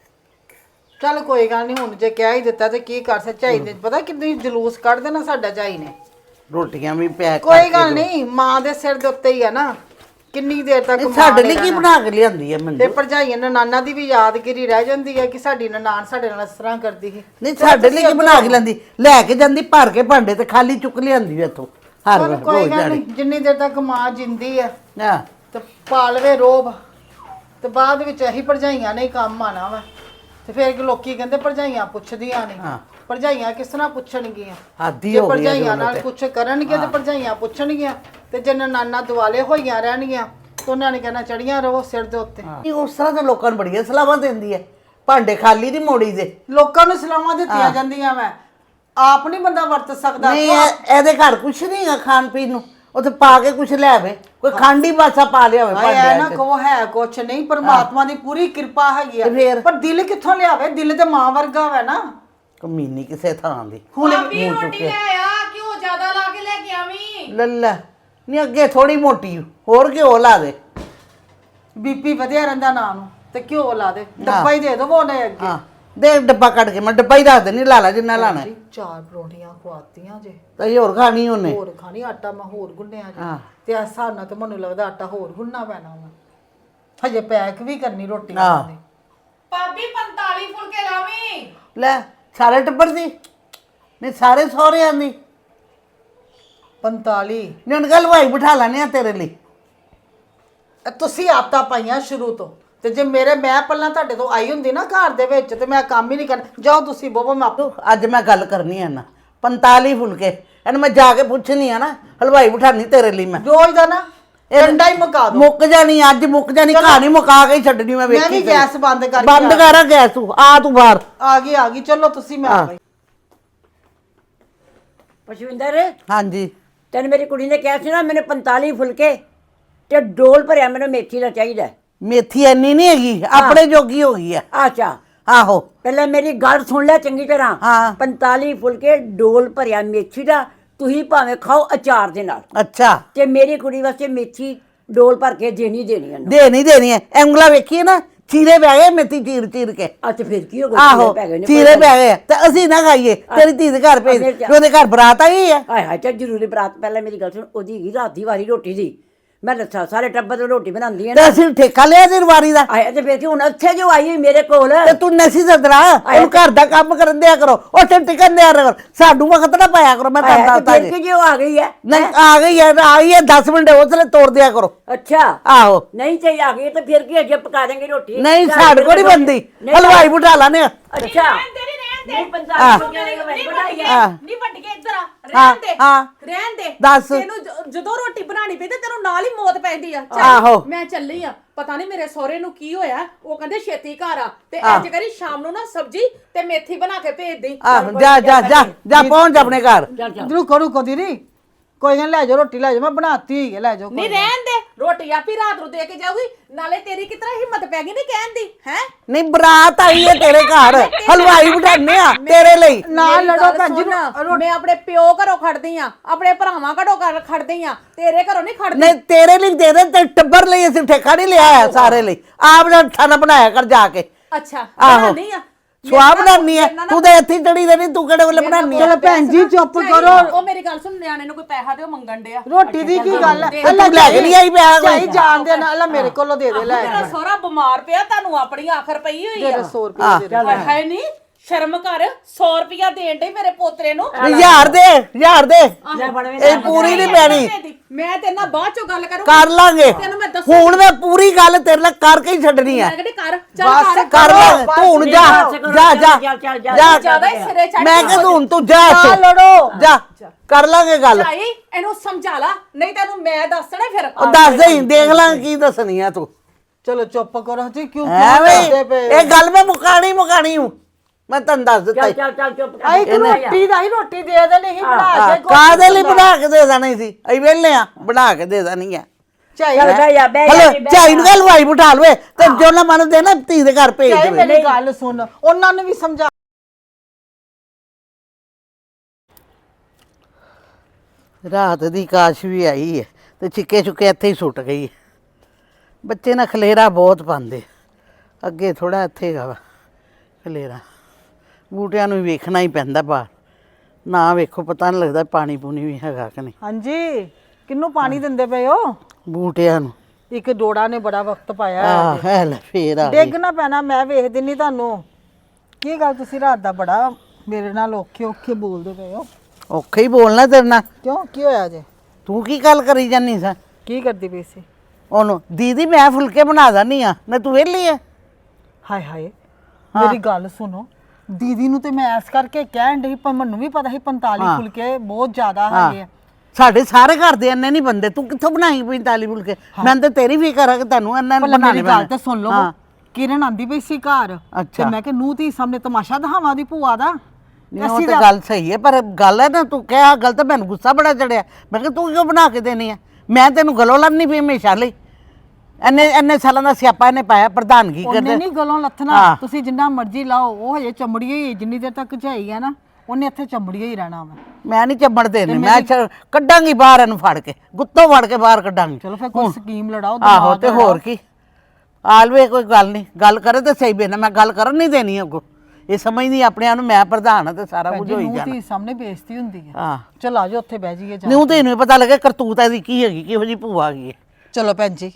Speaker 2: ਚੱਲ ਕੋਈ ਗੱਲ ਨਹੀਂ, ਹੁਣ ਜੇ ਕਹਿ ਹੀ ਦਿੱਤਾ ਤੇ ਕੀ ਕਰ ਸਕਦਾ। ਝਾਈ ਨੇ ਪਤਾ ਕਿੰਨੀ ਜਲੂਸ ਕੱਢ ਦੇਣਾ ਸਾਡਾ ਝਾਈ ਨੇ।
Speaker 4: ਰੋਟੀਆਂ ਵੀ ਪੈਕ
Speaker 2: ਕੋਈ ਗੱਲ ਨਹੀਂ, ਮਾਂ ਦੇ ਸਿਰ ਦੇ ਉੱਤੇ ਹੀ ਆ ਨਾ, ਕਿੰਨੀ ਦੇਰ ਤੱਕ ਮਾਂ
Speaker 4: ਸਾਡੇ
Speaker 2: ਨੇ
Speaker 4: ਲਈ ਕੀ
Speaker 2: ਰਹਿਣਾ।
Speaker 4: ਬਣਾ ਕੇ ਲਿਆਂਦੀ ਹੈ
Speaker 2: ਤੇ
Speaker 4: ਮੰਜੂ?
Speaker 2: ਭਰਜਾਈਆਂ ਨਨਾਨਾ ਦੀ ਵੀ ਯਾਦਗਿਰੀ ਰਹਿ ਜਾਂਦੀ ਹੈ ਕਿ ਸਾਡੀ ਨਨਾਣ ਸਾਡੇ ਨਾਲ ਇਸ ਤਰ੍ਹਾਂ ਕਰਦੀ ਸੀ।
Speaker 4: ਨਹੀਂ ਸਾਡੇ ਲਈ ਕੀ ਬਣਾ ਕੇ ਲੈਂਦੀ? ਲੈ ਕੇ ਜਾਂਦੀ ਭਰ ਕੇ ਭਾਂਡੇ ਤੇ ਖਾਲੀ ਚੁੱਕ ਲਿਆਂਦੀ ਇੱਥੋਂ ਹਰ
Speaker 2: ਚੱਲ ਕੋਈ
Speaker 4: ਰੋਜ਼
Speaker 2: ਗੱਲ
Speaker 4: ਦਿਹਾੜੀ।
Speaker 2: ਨਹੀਂ, ਜਿੰਨੀ ਦੇਰ ਤੱਕ ਮਾਂ ਜਿੰਦੀ ਹੈ
Speaker 4: ਹਾਂ
Speaker 2: ਤੇ ਪਾਲਵੇ ਰੋਬ, ਤੇ ਬਾਅਦ ਵਿੱਚ ਇਹੀ ਭਰਜਾਈਆਂ ਨੇ ਹੀ ਕੰਮ ਆਣਾ ਵਾ। ਤੇ ਫਿਰ ਲੋਕੀ ਕਹਿੰਦੇ ਭਰਜਾਈਆਂ ਪੁੱਛਦੀਆਂ ਨੇ।
Speaker 4: ਹਾਂ।
Speaker 2: ਭਰਜਾਈਆਂ ਕਿਸ ਤਰ੍ਹਾਂ ਪੁੱਛਣਗੀਆਂ?
Speaker 4: ਆਦੀ
Speaker 2: ਜੇ
Speaker 4: ਹੋ ਗਈ
Speaker 2: ਭਰਜਾਈਆਂ ਨਾਲ ਕੁਛ ਕਰਨਗੇ ਤੇ ਭਰਜਾਈਆਂ ਪੁੱਛਣਗੀਆਂ, ਤੇ ਜੇ ਨਨਾਨਾ ਦੁਆਲੇ ਹੋਈਆਂ ਰਹਿਣਗੀਆਂ ਤੇ ਉਹਨਾਂ ਨੇ ਕਹਿਣਾ ਚੜੀਆਂ ਰਹੋ ਸਿਰ ਦੇ ਉੱਤੇ।
Speaker 4: ਨਹੀਂ ਉਸ ਤਰ੍ਹਾਂ ਤਾਂ ਲੋਕਾਂ ਨੂੰ ਬੜੀਆਂ ਸਲਾਹਾਂ ਦਿੰਦੀ ਹੈ, ਭਾਂਡੇ ਖਾਲੀ ਨਹੀਂ ਮੋੜੀ ਦੇ।
Speaker 2: ਲੋਕਾਂ ਨੂੰ ਸਲਾਹਾਂ ਦਿੱਤੀਆਂ ਜਾਂਦੀਆਂ ਵਾ, ਆਪ ਨਹੀਂ ਬੰਦਾ ਵਰਤ ਸਕਦਾ।
Speaker 4: ਨਹੀਂ ਇਹਦੇ ਘਰ ਕੁਛ ਨਹੀਂ ਹੈਗਾ ਖਾਣ ਪੀਣ ਨੂੰ, ਉੱਥੇ ਪਾ ਕੇ ਕੁਛ ਲੈ ਆਵੇ, ਕੋਈ ਖਾਂਡੀ ਬਾਸਾ ਪਾ ਲਿਆ ਹੋਵੇ
Speaker 2: ਹਾਏ ਐ ਨਾ
Speaker 4: ਭਾਂਡੇ
Speaker 2: ਕਹੋ ਹੈ ਕੁਛ ਨਹੀਂ, ਪਰਮਾਤਮਾ ਦੀ ਪੂਰੀ ਕਿਰਪਾ ਹੈਗੀ
Speaker 4: ਤੇ
Speaker 2: ਆ।
Speaker 4: ਫਿਰ?
Speaker 2: ਪਰ ਦਿਲ ਕਿੱਥੋਂ ਲਿਆਵੇ? ਦਿਲ ਤੇ ਮਾਂ ਵਰਗਾ ਵਾ ਨਾ।
Speaker 4: ਕਮੀਨੀ ਕਿਸੇ ਥਾਂ ਦੀ।
Speaker 3: ਭਾਬੀ ਰੋਟੀ ਲੈ ਆ, ਘਿਓ ਜ਼ਿਆਦਾ ਲਾ ਕੇ ਲੈ ਕੇ ਆਵੀਂ।
Speaker 4: ਲੱਲਾ ਨਹੀਂ ਅੱਗੇ ਥੋੜੀ ਮੋਟੀ ਹੋਰ ਘਿਓ ਲਾ ਦੇ।
Speaker 2: ਬੀਪੀ ਵਧਿਆ ਰਹਿੰਦਾ ਨਾ ਨੂੰ, ਤੇ ਘਿਓ ਲਾ ਦੇ, ਡੱਬਾ ਹੀ ਦੇ ਦੋ ਉਹਨੇ ਅੱਗੇ।
Speaker 4: ਹਾਂ ਦੇ ਡੱਬਾ ਕੱਢ ਕੇ, ਮੈਂ ਡੱਬਾ ਹੀ ਰੱਖ ਦੇਣੀ, ਲਾ ਲਾ ਜਿੰਨਾ ਲਾਣਾ।
Speaker 2: ਜੀ 4 ਪਰੌਂਠੀਆਂ ਖਵਾਤੀਆਂ ਜੇ,
Speaker 4: ਤੇ ਹੋਰ ਖਾਣੀ ਉਹਨੇ।
Speaker 2: ਹੋਰ ਖਾਣੀ, ਆਟਾ ਮੈਂ ਹੋਰ ਗੁੰਨਿਆ ਜੀ।
Speaker 4: ਹਾਂ।
Speaker 2: ਤੇ ਇਸ ਹਿਸਾਬ ਨਾਲ ਤੇ ਮੈਨੂੰ ਲੱਗਦਾ ਆਟਾ ਹੋਰ ਗੁੰਨਣਾ ਪੈਣਾ ਵਾ। ਹਜੇ ਪੈਕ ਵੀ ਕਰਨੀ ਰੋਟੀ
Speaker 4: ਹਾਂ।
Speaker 2: ਖਾਣੀ।
Speaker 3: ਭਾਬੀ 45 ਫੁਲਕੇ ਲਾਵੀਂ।
Speaker 4: ਲੈ ਸਾਰੇ ਟੱਬਰ ਦੀ ਨਹੀਂ ਸਾਰੇ ਸਹੁਰਿਆਂ ਦੀ
Speaker 2: 45
Speaker 4: ਨਹੀਂ ਹੁਣ ਗੱਲ ਹਲਵਾਈ ਬਿਠਾ ਲੈਣੇ ਆ ਤੇਰੇ ਲਈ।
Speaker 2: ਤੁਸੀਂ ਆਦਤਾਂ ਪਾਈਆਂ ਸ਼ੁਰੂ ਤੋਂ, ਤੇ ਜੇ ਮੈਂ ਪਹਿਲਾਂ ਤੁਹਾਡੇ ਤੋਂ ਆਈ ਹੁੰਦੀ ਨਾ ਘਰ ਦੇ ਵਿੱਚ ਤੇ ਮੈਂ ਕੰਮ ਹੀ ਨਹੀਂ ਕਰਨਾ। ਜਾਓ ਤੁਸੀਂ ਬੋਬੋ, ਮੈਂ ਆਪੇ
Speaker 4: ਅੱਜ ਮੈਂ ਗੱਲ ਕਰਨੀ ਆ ਨਾ 45 ਫੁਲਕੇ ਇਹਨੂੰ ਮੈਂ ਜਾ ਕੇ ਪੁੱਛਣੀ ਆ ਨਾ ਹਲਵਾਈ ਬਿਠਾਣੀ ਤੇਰੇ ਲਈ ਮੈਂ।
Speaker 2: ਰੋਜ਼ ਦਾ ਨਾ ਡੰਡਾ ਹੀ ਮੁਕਾ ਦੋ।
Speaker 4: ਮੁੱਕ ਜਾਣੀ ਅੱਜ ਮੁੱਕ ਜਾਣੀ ਕਹਾਣੀ ਮੁਕਾ ਕੇ ਹੀ ਛੱਡਣੀ ਮੈਂ ਵੇਖੀ।
Speaker 2: ਮੈਂ ਵੀ ਗੈਸ ਬੰਦ ਕਰਕੇ
Speaker 4: ਬੰਦ ਕਰ ਗੈਸ ਤੂੰ ਆ ਤੂੰ ਬਾਹਰ
Speaker 2: ਆ ਗਈ ਚਲੋ ਤੁਸੀਂ ਮੈਂ ਆ ਗਈ।
Speaker 1: ਪਸ਼ਵਿੰਦਰ
Speaker 4: ਹਾਂਜੀ
Speaker 1: ਤੈਨੂੰ ਮੇਰੀ ਕੁੜੀ ਨੇ ਕਿਹਾ ਸੀ ਨਾ ਮੈਨੂੰ 45 ਫੁਲਕੇ ਤੇ ਡੋਲ ਭਰਿਆ ਮੈਨੂੰ ਮੇਥੀ ਦਾ ਚਾਹੀਦਾ।
Speaker 4: ਮੇਥੀ ਇੰਨੀ ਨਹੀਂ ਹੈਗੀ ਆਪਣੇ ਜੋਗੀ ਹੋ ਗਈ ਆ।
Speaker 1: ਅੱਛਾ
Speaker 4: ਆਹੋ
Speaker 1: ਪਹਿਲਾਂ ਮੇਰੀ ਗੱਲ ਸੁਣ ਲੈ ਚੰਗੀ ਤਰ੍ਹਾਂ।
Speaker 4: ਹਾਂ।
Speaker 1: 45 ਫੁਲਕੇ ਡੋਲ ਭਰਿਆ ਮੇਥੀ ਦਾ, ਤੁਸੀਂ ਭਾਵੇਂ ਖਾਓ ਅਚਾਰ ਦੇ ਨਾਲ,
Speaker 4: ਅੱਛਾ
Speaker 1: ਤੇ ਮੇਰੀ ਕੁੜੀ ਵਾਸਤੇ ਮੇਥੀ ਡੋਲ ਭਰ ਕੇ ਦੇਣੀ ਉਹਨੂੰ।
Speaker 4: ਦੇਣੀ ਹੈ ਉਂਗਲਾ ਵੇਖੀਏ ਨਾ ਚੀਰੇ ਪੈ ਗਏ ਮੇਥੀ ਚੀਰ ਚੀਰ ਕੇ।
Speaker 1: ਅੱਛਾ ਫਿਰ ਕੀ ਹੋ ਗਿਆ?
Speaker 4: ਆਹੋ
Speaker 1: ਪੈ ਗਏ ਨੇ,
Speaker 4: ਚੀਰੇ ਪੈ ਗਏ ਤੇ ਅਸੀਂ ਨਾ ਖਾਈਏ ਤੇਰੀ ਧੀ ਦੇ ਘਰ ਭੇਜ ਉਹਦੇ ਘਰ ਬਰਾਤ ਆਈ ਆ।
Speaker 1: ਹਾਏ ਹਾਏ ਚੱਲ ਜ਼ਰੂਰੀ ਬਰਾਤ। ਪਹਿਲਾਂ ਮੇਰੀ ਗੱਲ ਸੁਣ, ਉਹਦੀ ਹੈਗੀ ਰਾਤ ਦੀ ਵਾਰੀ ਰੋਟੀ ਦੀ। ਮੈਂ ਦੱਸਾਂ ਸਾਰੇ ਟੱਬਰ ਨੂੰ ਰੋਟੀ ਬਣਾਉਂਦੀ ਹੈ
Speaker 4: ਤੇ
Speaker 1: ਨਾ।
Speaker 4: ਅਸੀਂ ਠੇਕਾ ਲਿਆ ਤੇਰੀ ਵਾਰੀ ਦਾ
Speaker 1: ਆਏ ਤੇ ਫਿਰ ਕੀ ਹੁਣ ਇੱਥੇ ਜੋ ਆਈ ਹੋਈ ਮੇਰੇ ਕੋਲ।
Speaker 4: ਤੇ ਤੂੰ ਨਸੀ ਸਦਰਾ ਉਹਨੂੰ ਘਰ ਦਾ ਕੰਮ ਕਰਨ ਦਿਆ ਕਰੋ ਉੱਥੇ ਟਿਕਣ ਦਿਆ ਕਰੋ ਸਾਨੂੰ ਵਕਤ ਨਾ ਪਾਇਆ ਕਰੋ। ਮੈਂ ਤੁਹਾਨੂੰ ਦੱਸਦਾ
Speaker 1: ਫਿਰ
Speaker 4: ਜੀ
Speaker 1: ਕੀ ਜੋ ਆ ਗਈ ਹੈ?
Speaker 4: ਨਹੀਂ ਆ ਗਈ ਹੈ 10 ਮਿੰਟ ਉਸਲੇ ਤੋੜ ਦਿਆ ਕਰੋ।
Speaker 1: ਅੱਛਾ
Speaker 4: ਆਹੋ
Speaker 1: ਨਹੀਂ ਚਾਹੀ ਆ ਗਈ ਤੇ ਫਿਰ ਕੀ ਅਜੇ ਪਕਾ ਦੇਂਗੇ ਰੋਟੀ।
Speaker 4: ਨਹੀਂ ਸਾਡੇ ਕੋਲ ਨਹੀਂ ਬੰਦੀ ਹਲਵਾਈ ਬਿਠਾ ਲਾਨੇ ਆ।
Speaker 1: ਅੱਛਾ ਨਹੀਂ 45 ਫੁਲਕੇ ਦੀ ਬਣਾਈ ਹੈ।
Speaker 3: ਨਹੀਂ ਵੱਡ ਕੇ ਇੱਧਰ ਆ, ਰਹਿਣ ਦੇ
Speaker 4: ਹਾਂ
Speaker 3: ਰਹਿਣ ਦੇ।
Speaker 4: ਦੱਸ।
Speaker 3: ਤੈਨੂੰ ਜਦੋਂ ਰੋਟੀ ਬਣਾਣੀ ਪਈ ਤੇ ਤੈਨੂੰ ਨਾਲ ਹੀ ਮੌਤ ਪੈਂਦੀ ਆ।
Speaker 4: ਆਹੋ।
Speaker 3: ਚੱਲ ਮੈਂ ਚੱਲੀ ਆ, ਪਤਾ ਨਹੀਂ ਮੇਰੇ ਸਹੁਰੇ ਨੂੰ ਕੀ ਹੋਇਆ। ਉਹ ਕਹਿੰਦੇ ਛੇਤੀ ਘਰ ਆ ਤੇ ਅੱਜ ਕਰੀ ਸ਼ਾਮ ਨੂੰ ਨਾ ਸਬਜੀ ਤੇ ਮੇਥੀ ਬਣਾ ਕੇ ਭੇਜ ਦੇ।
Speaker 4: ਆਹ ਜਾ ਪਹੁੰਚ ਆਪਣੇ ਘਰ।
Speaker 2: ਰੁਕੋ ਦੀਦੀ, ਕੋਈ ਨਾ ਲੈ ਜਾਓ ਰੋਟੀ ਲੈ ਜਾਓ, ਮੈਂ ਬਣਾਤੀ ਹੋਈ ਹੈ ਲੈ ਜਾਓ।
Speaker 3: ਨਹੀਂ ਰਹਿਣ ਦੇ, ਰੋਟੀ ਆਪੀ ਰਾਤ ਨੂੰ ਦੇ ਕੇ ਜਾਊਗੀ। ਨਾਲੇ ਤੇਰੀ ਕਿਤਰਾ ਹਿੰਮਤ ਪੈ ਗਈ ਨਹੀਂ ਕਹਿਣ ਦੀ ਹੈ।
Speaker 4: ਨਹੀਂ ਬਰਾਤ ਆਈ ਹੈ ਤੇਰੇ ਘਰ ਹਲਵਾਈ ਬਿਠਾਣੇ ਆ ਤੇਰੇ ਲਈ।
Speaker 2: ਨਾਲ ਲੜੋ ਭੈਣ ਜੀ।
Speaker 3: ਮੈਂ ਆਪਣੇ ਪਿਓ ਘਰੋਂ ਖੜਦੀ ਆ, ਆਪਣੇ ਭਰਾਵਾਂ ਘਰੋਂ ਖੜਦੀ ਆ, ਤੇਰੇ ਘਰੋਂ ਨਹੀਂ ਖੜਦੀ।
Speaker 4: ਨਹੀਂ ਤੇਰੇ ਲਈ ਦੇ ਤੇ ਟੱਬਰ ਲਈ ਅਸੀਂ ਠੇਕਾ ਨਹੀਂ ਲਿਆ ਹੈ ਸਾਰੇ ਲਈ। ਆਪ ਦਾ ਖਾਣਾ ਬਣਾਇਆ ਕਰ ਜਾ ਕੇ।
Speaker 3: ਅੱਛਾ
Speaker 4: ਆਹੋ
Speaker 3: ਬਣਾਉਣੀ ਆ
Speaker 4: ਸਵਾਹ ਬਣਾਉਣੀ ਹੈ ਤੂੰ ਤਾਂ ਇੱਥੇ ਚੜੀ ਦੇ ਨਹੀਂ ਤੂੰ ਕਿਹੜੇ ਵੇਲੇ ਬਣਾਉਣੀ
Speaker 2: ਚਲੋ ਭੈਣ ਜੀ ਚੁੱਪ ਕਰੋ।
Speaker 3: ਉਹ ਮੇਰੀ ਗੱਲ ਸੁਣ, ਨਿਆਣੇ ਨੂੰ ਕੋਈ ਪੈਸਾ ਦਿਓ ਮੰਗਣ ਡਿਆ।
Speaker 2: ਰੋਟੀ ਦੀ ਕੀ ਗੱਲ ਹੈ?
Speaker 4: ਤੂੰ ਲੈ ਕੇ ਨਹੀਂ ਆਈ ਪਿਆ ਕੋਈ।
Speaker 2: ਚਾਹੀ ਜਾਣ ਦੇ ਨਾਲ ਮੇਰੇ ਕੋਲੋਂ ਦੇ ਦੇ ਲੈ
Speaker 3: ਮੇਰਾ ਸਹੁਰਾ ਬਿਮਾਰ ਪਿਆ, ਤੁਹਾਨੂੰ ਆਪਣੀ ਆਖਰ ਪਈ ਹੋਈ ਆ।
Speaker 2: 100 ਰੁਪਏ ਦੇ ਦੇ।
Speaker 3: ਹੈ ਨਹੀਂ ਸ਼ਰਮ ਕਰ, 100 ਰੁਪਿਆ ਦੇਣ ਡਈ ਮੇਰੇ ਪੋਤਰੇ ਨੂੰ।
Speaker 4: ਯਾਰ ਦੇ
Speaker 1: ਲੈ ਫੜ ਵੇ।
Speaker 4: ਇਹ ਪੂਰੀ ਨਹੀਂ ਪੈਣੀ।
Speaker 3: ਮੈਂ ਤੇਰੇ ਨਾਲ ਬਾਅਦ ਚੋਂ ਗੱਲ ਕਰੂੰ।
Speaker 4: ਕਰ ਲਾਂਗੇ
Speaker 3: ਤੈਨੂੰ ਮੈਂ ਦੱਸੂ।
Speaker 4: ਹੁਣ ਮੈਂ ਪੂਰੀ ਗੱਲ ਤੇਰੇ ਨਾਲ ਕਰਕੇ ਹੀ ਛੱਡਣੀ ਹੈ।
Speaker 3: ਮੈਂ ਕਹਿੰਦੀ ਕਰ ਚੱਲ
Speaker 2: ਬਸ
Speaker 3: ਕਰ।
Speaker 4: ਕਰ ਲਾਂਗੇ ਤੂੰ ਹੁਣ ਜਾ
Speaker 3: ਜ਼ਿਆਦਾ ਹੀ ਸਿਰੇ ਚੜ੍ਹ
Speaker 4: ਮੈਂ ਕਿਹਾ ਹੁਣ ਤੂੰ ਜਾ
Speaker 2: ਨਾ
Speaker 4: ਇੱਥੋਂ।
Speaker 2: ਲੜੋ।
Speaker 4: ਜਾ ਕਰ ਲਾਂਗੇ ਗੱਲ।
Speaker 3: ਚਾਈ ਇਹਨੂੰ ਸਮਝਾ ਲਾ, ਨਹੀਂ ਤੈਨੂੰ ਮੈਂ ਦੱਸਣਾ ਫਿਰ।
Speaker 4: ਉਹ ਦੱਸ ਦੇ ਦੇਖ ਲਾਂਗੇ ਕੀ ਦੱਸਣੀ ਆ ਤੂੰ।
Speaker 2: ਚਲੋ ਚੁੱਪ ਕਰੋ ਜੀ, ਕਿਉਂ
Speaker 4: ਐਵੇਂ
Speaker 2: ਕਰਦੇ ਪਏ?
Speaker 4: ਇਹ ਗੱਲ ਮੈਂ ਮੁਕਾਣੀ ਹੂੰ ਮੈਂ ਤੈਨੂੰ ਦੱਸ ਦਿੱਤਾ
Speaker 1: ਚੱਲ ਚੁੱਪ ਕਰ।
Speaker 2: ਆਈ ਕਿ ਰੋਟੀ ਦਾ ਹੀ ਰੋਟੀ ਦੇ ਦੇਣੀ ਸੀ ਬਣਾ ਕੇ।
Speaker 4: ਕਾਦੇ ਲਈ ਬਣਾ ਕੇ ਦੇ ਦੇਣੀ ਸੀ ਅਸੀਂ ਵੇਲੇ ਆ ਬਣਾ ਕੇ ਦੇ ਦੇਣੀ ਆ।
Speaker 2: ਚਾਹੀ
Speaker 1: ਚੱਲ ਬਹਿ ਜਾ ਬਹਿ ਜਾ
Speaker 4: ਹਲੋ
Speaker 1: ਬਹਿ ਜਾ।
Speaker 4: ਝਾਈ ਨੂੰ ਕਹਿ ਹਲਵਾਈ ਬਿਠਾ ਲਵੇ ਤੇ ਜੋ ਨਾ ਮੰਨਦੇ ਨਾ ਧੀ ਦੇ ਘਰ ਭੇਜ ਦੇਵੇ।
Speaker 2: ਮੇਰੀ ਗੱਲ ਸੁਣ, ਉਹਨਾਂ ਨੂੰ ਵੀ ਸਮਝਾ।
Speaker 4: ਰਾਤ ਦੀ ਕਾਸ਼ ਵੀ ਆਈ ਹੈ ਤੇ ਚਿੱਕੇ ਚੁੱਕੇ ਇੱਥੇ ਹੀ ਸੁੱਟ ਗਈ ਹੈ। ਬੱਚੇ ਨਾ ਖਲੇਰਾ ਬਹੁਤ ਪਾਉਂਦੇ ਅੱਗੇ ਥੋੜਾ ਇੱਥੇ ਗਾ ਵਾ ਖਲੇਰਾ। ਬੂਟਿਆਂ ਨੂੰ ਵੇਖਣਾ ਹੀ ਪੈਂਦਾ ਬਾਹਰ ਨਾ ਵੇਖੋ ਪਤਾ ਨਹੀਂ ਲੱਗਦਾ ਪਾਣੀ ਪੂਣੀ ਵੀ ਹੈਗਾ ਕਿ ਨਹੀਂ।
Speaker 2: ਹਾਂਜੀ ਕਿੰਨੂੰ ਪਾਣੀ ਦਿੰਦੇ ਪਏ ਹੋ?
Speaker 4: ਬੂਟਿਆਂ ਨੂੰ
Speaker 2: ਇੱਕ ਡੋੜਾ ਨੇ ਬੜਾ ਵਕਤ ਪਾਇਆ
Speaker 4: ਆਹ ਹੈ ਲੈ ਫੇਰ ਆ
Speaker 2: ਡਿੱਗ ਨਾ ਪੈਣਾ, ਮੈਂ ਵੇਖ ਦਿੰਨੀ ਤੁਹਾਨੂੰ। ਕੀ ਗੱਲ ਤੁਸੀਂ ਰਾਤ ਦਾ ਬੜਾ ਮੇਰੇ ਨਾਲ ਔਖੇ ਬੋਲਦੇ ਪਏ ਹੋ?
Speaker 4: ਔਖੇ ਹੀ ਬੋਲਣਾ ਤੇਰੇ ਨਾਲ।
Speaker 2: ਕਿਉਂ ਕੀ ਹੋਇਆ ਜੇ?
Speaker 4: ਤੂੰ ਕੀ ਗੱਲ ਕਰੀ ਜਾਨੀ ਸਾਂ
Speaker 2: ਕੀ ਕਰਦੀ ਪਈ ਸੀ?
Speaker 4: ਉਹਨੂੰ ਦੀਦੀ ਮੈਂ ਫੁਲਕੇ ਬਣਾ ਦਾਨੀ ਆ ਨਾ ਤੂੰ ਵਿਹਲੀ ਆ।
Speaker 2: ਹਾਏ ਹਾਏ ਮੇਰੀ ਗੱਲ ਸੁਣੋ, ਦੀਦੀ ਨੂੰ ਤੇ ਮੈਂ ਐਸ ਕਰਕੇ ਕਹਿਣ ਡਈ, ਪਰ ਮੈਨੂੰ ਵੀ ਪਤਾ ਸੀ 45 ਫੁਲਕੇ ਬਹੁਤ ਜ਼ਿਆਦਾ ਹੈਗੇ ਆ।
Speaker 4: ਸਾਡੇ ਸਾਰੇ ਘਰ ਦੇ ਇੰਨੇ ਨਹੀਂ ਬੰਦੇ ਤੂੰ ਕਿੱਥੋਂ ਬਣਾਈ 45 ਫੁਲਕੇ। ਮੈਂ ਤਾਂ ਤੇਰੀ ਫਿਕਰ ਆ ਕਿ ਤੈਨੂੰ ਇੰਨਾ ਬਣਾਣੇ
Speaker 2: ਮੇਰੀ ਗੱਲ ਤਾਂ ਸੁਣ ਲਓ। ਕਿਰਨ ਆਂਦੀ ਪਈ ਸੀ ਘਰ ਤੇ ਮੈਂ ਕਿ ਨੂੰ ਧੀ ਸਾਹਮਣੇ ਤਮਾਸ਼ਾ ਦਿਖਾਵਾਂ ਦੀ ਭੂਆ ਦਾ।
Speaker 4: ਉਹ ਤਾਂ ਗੱਲ ਸਹੀ ਹੈ ਪਰ ਗੱਲ ਹੈ ਨਾ ਤੂੰ ਕਿਹਾ ਗੱਲ ਤਾਂ ਮੈਨੂੰ ਗੁੱਸਾ ਬੜਾ ਚੜਿਆ। ਮੈਂ ਕਿਹਾ ਤੂੰ ਕਿਉਂ ਬਣਾ ਕੇ ਦੇਣੀ ਆ? ਮੈਂ ਤੈਨੂੰ ਗਲੋਂ ਲੰਨੀ ਪਈ ਹਮੇਸ਼ਾ ਲਈ। ਇੰਨੇ ਸਾਲਾਂ ਦਾ ਸਿਆਪਾ ਇਹਨੇ ਪਾਇਆ ਪ੍ਰਧਾਨਗੀ
Speaker 2: ਉਹਨੇ
Speaker 4: ਕਰਦੇ।
Speaker 2: ਨਹੀਂ ਗਲੋਂ ਲੱਥਣਾ, ਤੁਸੀਂ ਜਿੰਨਾ ਮਰਜ਼ੀ ਲਾਓ, ਉਹ ਹਜੇ ਚਮੜੀ ਹੀ ਜਿੰਨੀ ਦੇਰ ਤੱਕ ਝਾਈ ਹੈ ਨਾ ਉਹਨੇ ਇੱਥੇ ਚਮੜੀ ਹੀ ਰਹਿਣਾ ਵਾ।
Speaker 4: ਮੈਂ ਨਹੀਂ ਚੱਬਣ ਦੇਣੀ, ਮੈਂ ਕੱਢਾਂਗੀ ਬਾਹਰ ਇਹਨੂੰ ਫੜ ਕੇ, ਗੁੱਤੋਂ ਫੜ ਕੇ ਬਾਹਰ ਕੱਢਾਂਗੀ।
Speaker 2: ਚਲੋ ਫਿਰ ਕੋਈ ਸਕੀਮ ਲੜਾਓ।
Speaker 4: ਆਹੋ ਤੇ ਹੋਰ ਕੀ ਆਲਵੇ ਕੋਈ ਗੱਲ ਨਹੀਂ, ਗੱਲ ਕਰੇ ਤੇ ਸਹੀ ਬੇਨਾ। ਮੈਂ ਗੱਲ ਕਰਨ ਨਹੀਂ ਦੇਣੀ ਅੱਗੋਂ। ਇਹ ਸਮਝਦੀ ਆਪਣੇ ਆਪ ਨੂੰ ਮੈਂ ਪ੍ਰਧਾਨ ਹਾਂ ਤੇ ਸਾਰਾ ਕੁਝ ਹੋਈ ਜਾਣਾ।
Speaker 2: ਧੀ ਸਾਹਮਣੇ ਬੇਇੱਜ਼ਤੀ ਹੁੰਦੀ ਹੈ।
Speaker 4: ਹਾਂ
Speaker 2: ਚਲ ਆਜੋ ਉੱਥੇ ਬਹਿ ਜਾਈਏ ਜਾ।
Speaker 4: ਨੂੰ ਤੇ ਇਹਨੂੰ ਪਤਾ ਲੱਗੇ ਕਰਤੂਤ ਇਹਦੀ ਕੀ ਹੈਗੀ, ਕਿਹੋ ਜੀ ਭੂਆ ਹੈਗੀ ਹੈ।
Speaker 2: ਚਲੋ ਭੈਣ ਜੀ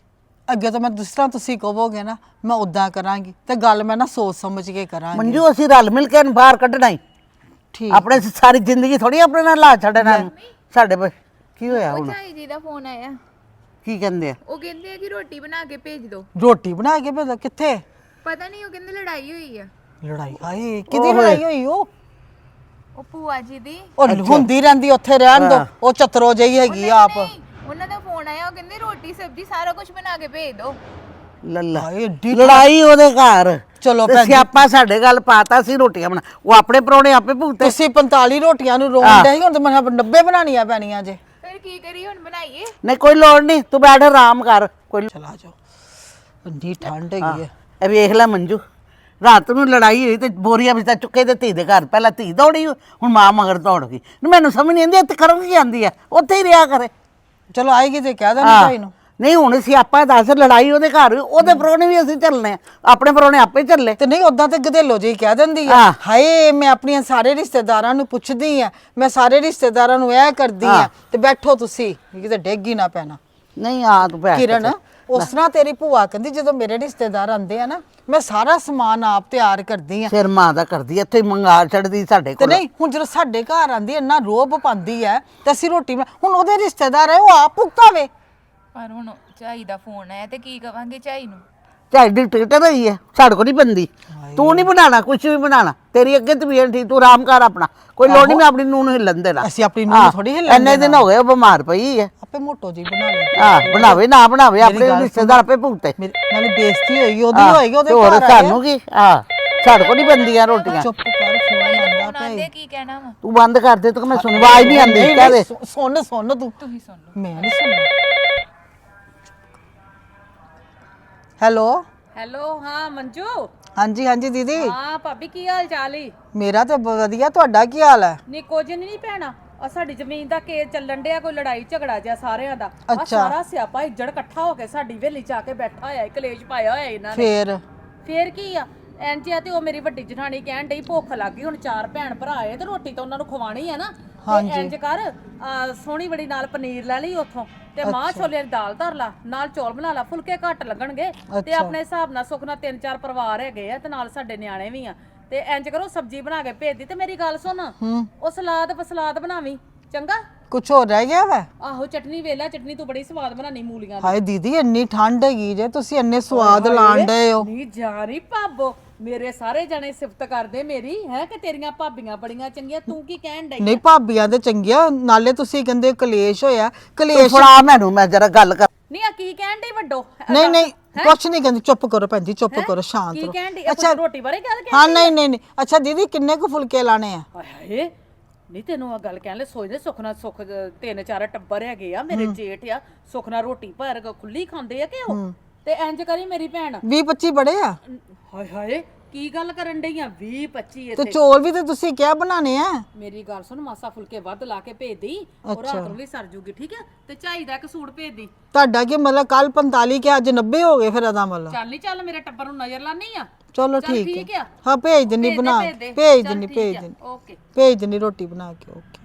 Speaker 2: ਅੱਗੇ ਤੋਂ ਮੈਂ ਜਿਸ ਤਰ੍ਹਾਂ ਤੁਸੀਂ ਕਹੋਗੇ ਨਾ ਮੈਂ ਉਦਾਂ ਕਰਾਂਗੀ ਤੇ ਗੱਲ ਮੈਂ ਨਾ ਸੋਚ ਸਮਝ ਕੇ ਕਰਾਂਗੀ।
Speaker 4: ਮੰਜੂ ਅਸੀਂ ਰਲ ਮਿਲ ਕੇ ਇਹਨੂੰ ਬਾਹਰ ਕੱਢਣਾ ਹੀ।
Speaker 2: ਠੀਕ
Speaker 4: ਆਪਣੇ ਸਾਰੀ ਜ਼ਿੰਦਗੀ ਥੋੜੀ ਆਪਣੇ ਨਾਲ ਲਾ ਛੱਡਣਾ ਸਾਡੇ ਕੀ ਹੋਇਆ ਹੁਣ?
Speaker 5: ਝਾਈ ਜੀ ਦਾ ਫੋਨ ਆਇਆ।
Speaker 4: ਕੀ ਕਹਿੰਦੇ ਆ?
Speaker 5: ਉਹ ਕਹਿੰਦੇ ਆ ਕਿ ਰੋਟੀ ਬਣਾ ਕੇ ਭੇਜ ਦਿਓ।
Speaker 2: ਰੋਟੀ ਬਣਾ ਕੇ ਭੇਜੋ? ਕਿੱਥੇ?
Speaker 5: ਪਤਾ ਨਹੀਂ, ਉਹ ਕਹਿੰਦੇ ਲੜਾਈ ਹੋਈ ਆ।
Speaker 2: ਲੜਾਈ? ਹਾਏ ਕਿਹਦੀ ਲੜਾਈ ਹੋਈ?
Speaker 5: ਉਹ ਭੂਆ ਜੀ ਦੀ।
Speaker 2: ਉਹ ਹੁੰਦੀ ਰਹਿੰਦੀ, ਉੱਥੇ ਰਹਿਣ ਦੋ, ਉਹ ਚਤਰੋ ਜਿਹੀ ਹੈਗੀ ਆ ਆਪ।
Speaker 5: ਨਹੀਂ, ਉਹਨਾਂ ਦਾ ਫੋਨ ਆਇਆ, ਉਹ ਕਹਿੰਦੇ ਰੋਟੀ ਸਬਜ਼ੀ ਸਾਰਾ ਕੁਝ ਬਣਾ ਕੇ ਭੇਜ ਦਿਓ।
Speaker 4: ਲੱਲਾ
Speaker 2: ਹਾਏ ਏਡੀ
Speaker 4: ਲੜਾਈ ਉਹਦੇ ਘਰ।
Speaker 2: ਚਲੋ
Speaker 4: ਤੇ
Speaker 2: ਭੈਣ ਜੀ,
Speaker 4: ਸਿਆਪਾ ਸਾਡੇ ਗੱਲ ਪਾਤਾ ਸੀ ਰੋਟੀਆਂ ਬਣਾ, ਉਹ ਆਪਣੇ ਪਰੌਣੇ ਆਪੇ ਭੁਗਤੇ।
Speaker 2: ਤੁਸੀਂ 45 ਰੋਟੀਆਂ ਨੂੰ ਰੋਣ ਦੇ ਹੁਣ ਤੇ ਮੈਂ 90 ਬਣਾਉਣੀਆਂ ਪੈਣੀਆਂ ਜੇ।
Speaker 5: ਫਿਰ ਕੀ ਕਰੀਏ ਹੁਣ, ਬਣਾਈਏ?
Speaker 4: ਨਹੀਂ ਕੋਈ ਲੋੜ ਨਹੀਂ, ਤੂੰ ਬੈਠ ਆਰਾਮ ਕਰ। ਕੋਈ
Speaker 2: ਚਲਾ ਜਾਓ, ਇੰਨੀ ਠੰਡ ਹੈਗੀ ਹੈ।
Speaker 4: ਇਹ ਵੇਖ ਲੈ ਮੰਜੂ, ਰਾਤ ਨੂੰ ਲੜਾਈ ਹੋਈ ਤੇ ਬੋਰੀਆਂ ਵਿੱਚ ਤਾਂ ਚੁੱਕੇ ਤੇ ਧੀ ਦੇ ਘਰ। ਪਹਿਲਾਂ ਧੀ ਦੌੜੀ, ਹੁਣ ਮਾਂ ਮਗਰ ਦੌੜ ਗਈ। ਮੈਨੂੰ ਸਮਝ ਨਹੀਂ ਆਉਂਦੀ ਇੱਥੇ ਕਰਨ ਕੀ ਆਉਂਦੀ ਆ, ਉੱਥੇ ਹੀ ਰਿਹਾ ਕਰੇ।
Speaker 2: ਚਲੋ ਆਏਗੀ ਤੇ ਕਹਿ ਦੇਣਾ ਭਾਈ ਨੂੰ।
Speaker 4: ਨਹੀਂ ਹੁਣ ਅਸੀਂ ਆਪਾਂ ਦੱਸ, ਲੜਾਈ ਉਹਦੇ ਘਰ, ਉਹਦੇ ਪਰੌਣੇ ਵੀ ਅਸੀਂ ਚੱਲਨੇ ਆ, ਆਪਣੇ ਪਰੌਣੇ ਆਪੇ ਚੱਲੇ।
Speaker 2: ਤੇ ਨਹੀਂ ਉਦਾਂ ਤੇ ਗਧੇਲੋ ਜਿਹੀ ਕਹਿ ਦਿੰਦੀ ਆ, ਹਾਏ ਮੈਂ ਆਪਣੀਆਂ ਸਾਰੇ ਰਿਸ਼ਤੇਦਾਰਾਂ ਨੂੰ ਪੁੱਛਦੀ ਆ, ਮੈਂ ਸਾਰੇ ਰਿਸ਼ਤੇਦਾਰਾਂ ਨੂੰ ਇਹ ਕਰਦੀ ਆ, ਤੇ ਬੈਠੋ ਤੁਸੀਂ ਕਿਤੇ ਡਿੱਗ ਹੀ ਨਾ ਪੈਣਾ।
Speaker 4: ਨਹੀਂ ਆ ਤੂੰ ਬੈਠ
Speaker 2: ਕਿਰਨ, ਉਸ ਤਰ੍ਹਾਂ ਤੇਰੀ ਭੂਆ ਕਹਿੰਦੀ ਜਦੋਂ ਮੇਰੇ ਰਿਸ਼ਤੇਦਾਰ ਆਉਂਦੇ ਆ ਨਾ ਮੈਂ ਸਾਰਾ ਸਮਾਨ ਆਪ ਤਿਆਰ ਕਰਦੀ ਆ।
Speaker 4: ਸਿਰ ਮਾਂ ਦਾ ਕਰਦੀ ਐ, ਇੱਥੇ ਮੰਗਾ ਛੱਡਦੀ ਸਾਡੇ
Speaker 2: ਤੇ
Speaker 4: ਕੋਲ।
Speaker 2: ਨਹੀਂ ਹੁਣ ਜਦੋਂ ਸਾਡੇ ਘਰ ਆਂਦੀ ਇੰਨਾ ਰੋਬ ਪਾਉਂਦੀ ਐ ਤੇ ਅਸੀਂ ਰੋਟੀ ਹੁਣ ਉਹਦੇ ਰਿਸ਼ਤੇਦਾਰ ਐ, ਉਹ ਆਪ ਭੁਗਤਾਵੇ।
Speaker 5: ਪਰ ਹੁਣ ਝਾਈ ਦਾ ਫੋਨ ਆਇਆ ਤੇ ਕੀ ਕਵਾਂਗੇ ਝਾਈ ਨੂੰ?
Speaker 4: ਝਾਈ ਡਿਕਟੇਟਰ ਹੋਈ ਹੈ, ਸਾਡੇ ਕੋਲ ਨਹੀਂ ਬੰਦੀ। ਤੂੰ ਨਹੀਂ ਬਣਾਣਾ, ਕੁਝ ਵੀ ਬਣਾਣਾ, ਤੇਰੀ ਅੱਗੇ ਤਬੀਅਤ ਠੀਕ, ਤੂੰ ਆਰਾਮ ਕਰ ਆਪਣਾ, ਕੋਈ ਲੋੜ ਨਹੀਂ ਮੈਂ ਆਪਣੀ ਨੂੰਹ ਨੂੰ ਹਿੱਲਣ ਦੇਣਾ।
Speaker 2: ਅਸੀਂ ਆਪਣੀ ਨੂੰਹ ਨੂੰ ਥੋੜੀ ਹਿੱਲਣ
Speaker 4: ਇੰਨੇ ਦਿਨ ਹੋ ਗਏ ਉਹ ਬਿਮਾਰ ਪਈ ਹੈ।
Speaker 2: ਆਪੇ ਮੋਟੋ ਜੀ ਬਣਾਵੇ।
Speaker 4: ਬਣਾਵੇ ਨਾ ਬਣਾਵੇ, ਆਪਣੇ ਰਿਸ਼ਤੇਦਾਰ ਆਪੇ ਭੁਗਤੇ।
Speaker 2: ਨਾਲੇ ਬੇਇੱਜ਼ਤੀ ਹੋਏਗੀ ਉਹਦੀ, ਹੋਏਗੀ ਉਹਦੇ
Speaker 4: ਹੋਰ
Speaker 2: ਘਰ
Speaker 4: ਸਾਨੂੰ ਕੀ? ਸਾਡੇ ਕੋਲ ਨਹੀਂ ਬੰਦੀਆਂ ਰੋਟੀਆਂ।
Speaker 2: ਚੁੱਪ ਕਰ, ਫੋਨ ਆਂਦਾ
Speaker 5: ਫੋਨ ਆਉਂਦੇ ਕੀ ਕਹਿਣਾ ਵਾ?
Speaker 4: ਤੂੰ ਬੰਦ ਕਰ ਦੇ, ਤੂੰ ਮੈਂ ਸੁਣ, ਆਵਾਜ਼ ਨਹੀਂ ਆਉਂਦੀ। ਕਹਦੇ
Speaker 2: ਸੁਣ ਤੂੰ।
Speaker 5: ਤੁਸੀਂ ਸੁਣ ਲਓ।
Speaker 2: ਮੈਂ ਨਹੀਂ ਸੁਣਨਾ। ਹੈਲੋ
Speaker 3: ਹੈਲੋ, ਹਾਂ ਮੰਜੂ।
Speaker 2: ਹਾਂਜੀ ਹਾਂਜੀ ਦੀਦੀ।
Speaker 3: ਹਾਂ ਭਾਬੀ, ਕੀ ਹਾਲ ਚਾਲ ਈ?
Speaker 2: ਮੇਰਾ ਤੇ ਵਧੀਆ, ਤੁਹਾਡਾ ਕੀ ਹਾਲ ਹੈ?
Speaker 3: ਨੀ ਕੁਝ ਨਹੀਂ ਭੈਣਾ, ਆ ਸਾਡੀ ਜ਼ਮੀਨ ਦਾ ਕੇਸ ਚੱਲਣ ਡਿਆ, ਕੋਈ ਲੜਾਈ ਝਗੜਾ ਜਿਹਾ ਸਾਰਿਆਂ ਦਾ। ਆ
Speaker 2: ਅੱਛਾ।
Speaker 3: ਸਾਰਾ ਸਿਆਪਾ ਇੱਜੜ ਇਕੱਠਾ ਹੋ ਕੇ ਸਾਡੀ ਵੇਲੀ ਚ ਆ ਕੇ ਬੈਠਾ ਹੋਇਆ, ਕਲੇਸ਼ ਪਾਇਆ ਹੋਇਆ ਇਹਨਾਂ ਨੇ। ਫੇਰ ਕੀ ਆ, ਇੰਜ ਆ। ਤੇ ਉਹ ਮੇਰੀ ਵੱਡੀ ਜਠਾਣੀ ਕਹਿਣ ਡਈ ਭੁੱਖ ਲੱਗ ਗਈ, ਹੁਣ 4 ਭੈਣ ਭਰਾ ਆਏ ਤੇ ਰੋਟੀ ਤਾਂ ਉਹਨਾਂ ਨੂੰ ਖਵਾਣੀ ਆ ਨਾ। ਤੇ ਇੰਜ ਕਰ, ਸੋਹਣੀ ਬੜੀ ਨਾਲ ਪਨੀਰ ਲੈ ਲਈ ਉੱਥੋਂ, ਤੇ ਮਾਂ ਛੋਲੇ ਦੀ ਦਾਲ ਧਰ ਲਾ, ਨਾਲ ਚੌਲ ਬਣਾ ਲਾ, ਫੁਲਕੇ ਘੱਟ ਲੱਗਣਗੇ। ਤੇ ਆਪਣੇ ਹਿਸਾਬ ਨਾਲ ਸੁੱਖ ਨਾਲ 3-4 ਪਰਿਵਾਰ ਹੈਗੇ ਆ, ਤੇ ਨਾਲ ਸਾਡੇ ਨਿਆਣੇ ਵੀ ਆ। ਤੇ ਇੰਜ ਕਰੋ, ਸਬਜ਼ੀ ਬਣਾ ਕੇ ਭੇਜ ਦੀ। ਤੇ ਮੇਰੀ ਗੱਲ ਸੁਣ, ਉਹ ਸਲਾਦ ਬਣਾਵੀਂ, ਚੰਗਾ?
Speaker 2: ਕੁਝ ਹੋਰ ਰਹਿ ਗਿਆ ਵਾ?
Speaker 3: ਆਹੋ, ਚਟਨੀ ਵੇਲਾ, ਚਟਨੀ ਤੂੰ ਬੜੀ ਸਵਾਦ ਬਣਾਨੀ ਮੂਲੀਆਂ ਦੀ।
Speaker 2: ਹਾਏ ਦੀਦੀ, ਇੰਨੀ ਠੰਡ ਹੈਗੀ ਜੇ, ਤੁਸੀਂ ਇੰਨੇ ਸਵਾਦ ਲਾਣ ਡਏ ਹੋ।
Speaker 3: ਨਹੀਂ ਜਾ ਰਹੀ ਭਾਬੋ, ਮੇਰੇ ਸਾਰੇ ਜਣੇ ਸਿਫਤ ਕਰਦੇ ਮੇਰੀ, ਹੈ ਕਿ ਤੇਰੀਆਂ ਭਾਬੀਆਂ ਬੜੀਆਂ ਚੰਗੀਆਂ, ਤੂੰ ਕੀ ਕਹਿਣ ਡਈ?
Speaker 2: ਨਹੀਂ ਭਾਬੀਆਂ ਦੇ ਚੰਗੀਆਂ, ਨਾਲੇ ਤੁਸੀਂ ਕਹਿੰਦੇ ਕਲੇਸ਼ ਹੋਇਆ। ਕਲੇਸ਼
Speaker 4: ਫੜਾ ਮੈਨੂੰ, ਮੈਂ ਜਰਾ ਗੱਲ ਕਰ।
Speaker 3: ਨਹੀਂ ਆ ਕੀ ਕਹਿਣ ਡਈ ਵੱਡੋ?
Speaker 2: ਨਹੀਂ ਕੁਛ ਨਹੀਂ ਕਹਿੰਦੀ, ਚੁੱਪ ਕਰੋ ਭੈਣ ਜੀ, ਚੁੱਪ ਕਰੋ, ਸ਼ਾਂਤ
Speaker 3: ਕੀ
Speaker 2: ਰਹੋ।
Speaker 3: ਕਹਿਣ ਡਈ? ਅੱਛਾ, ਰੋਟੀ ਬਾਰੇ ਗੱਲ
Speaker 2: ਹਾਂ ਨਹੀਂ ਅੱਛਾ ਦੀਦੀ, ਕਿੰਨੇ ਕੁ ਫੁਲਕੇ ਲਾਣੇ ਆ?
Speaker 3: ਹਾਏ, ਨਹੀਂ ਤੈਨੂੰ ਆ ਗੱਲ ਕਹਿਣ ਲੈ, ਸੋਚਦੇ ਸੁੱਖ ਨਾਲ, ਸੁੱਖ 3-4 ਟੱਬਰ ਹੈਗੇ ਆ, ਮੇਰੇ ਜੇਠ ਆ, ਸੁੱਖ ਨਾਲ ਰੋਟੀ ਭਰ ਖੁੱਲੀ ਖਾਂਦੇ ਆ ਕਿ ਉਹ? ਤੇ ਇੰਜ ਕਰੀ ਮੇਰੀ ਭੈਣ,
Speaker 2: 20-25 ਬੜੇ ਆ।
Speaker 3: ਹਾਏ ਹਾਏ, ਕੀ ਗੱਲ ਕਰਨ ਡਈ ਆ? 20-25
Speaker 2: ਤੇ
Speaker 3: ਇੱਥੇ?
Speaker 2: ਚੌਲ ਵੀ ਤੇ ਤੁਸੀਂ ਕਿਹਾ ਬਣਾਣੇ ਆ।
Speaker 3: ਮੇਰੀ ਗੱਲ ਸੁਣ, ਮਾਸਾ ਫੁਲਕੇ ਵੱਧ ਲਾ ਕੇ ਭੇਜ ਦੀ, ਉਹ ਰਾਤ ਨੂੰ ਵੀ ਸਰ ਜੂਗੀ, ਠੀਕ ਹੈ? ਤੇ ਝਾਈ ਦਾ ਇੱਕ ਸੂਟ ਭੇਜ ਦੀ।
Speaker 2: ਤੁਹਾਡਾ ਕੀ ਮਤਲਬ, ਕੱਲ 45 ਕਿ ਅੱਜ 90 ਹੋ ਗਏ ਫਿਰ ਇਹਦਾ ਮਤਲਬ?
Speaker 3: ਚੱਲ ਨਹੀਂ, ਚੱਲ ਮੇਰੇ ਟੱਬਰ ਨੂੰ ਨਜ਼ਰ ਲਾਣੀ ਆ।
Speaker 2: ਚਲੋ
Speaker 3: ਚੱਲ
Speaker 2: ਠੀਕ
Speaker 3: ਠੀਕ
Speaker 2: ਹੈ।
Speaker 3: ਆ।
Speaker 2: ਹਾਂ ਭੇਜ ਦਿੰਨੀ ਬਣਾ,
Speaker 3: ਭੇਜ ਦੇ।
Speaker 2: ਭੇਜ
Speaker 3: ਚੱਲ
Speaker 2: ਦਿੰਨੀ
Speaker 3: ਠੀਕ ਆ,
Speaker 2: ਭੇਜ ਦਿੰਨੀ
Speaker 3: ਓਕੇ।
Speaker 2: ਭੇਜ ਦਿੰਨੀ ਰੋਟੀ ਬਣਾ ਕੇ। ਓਕੇ।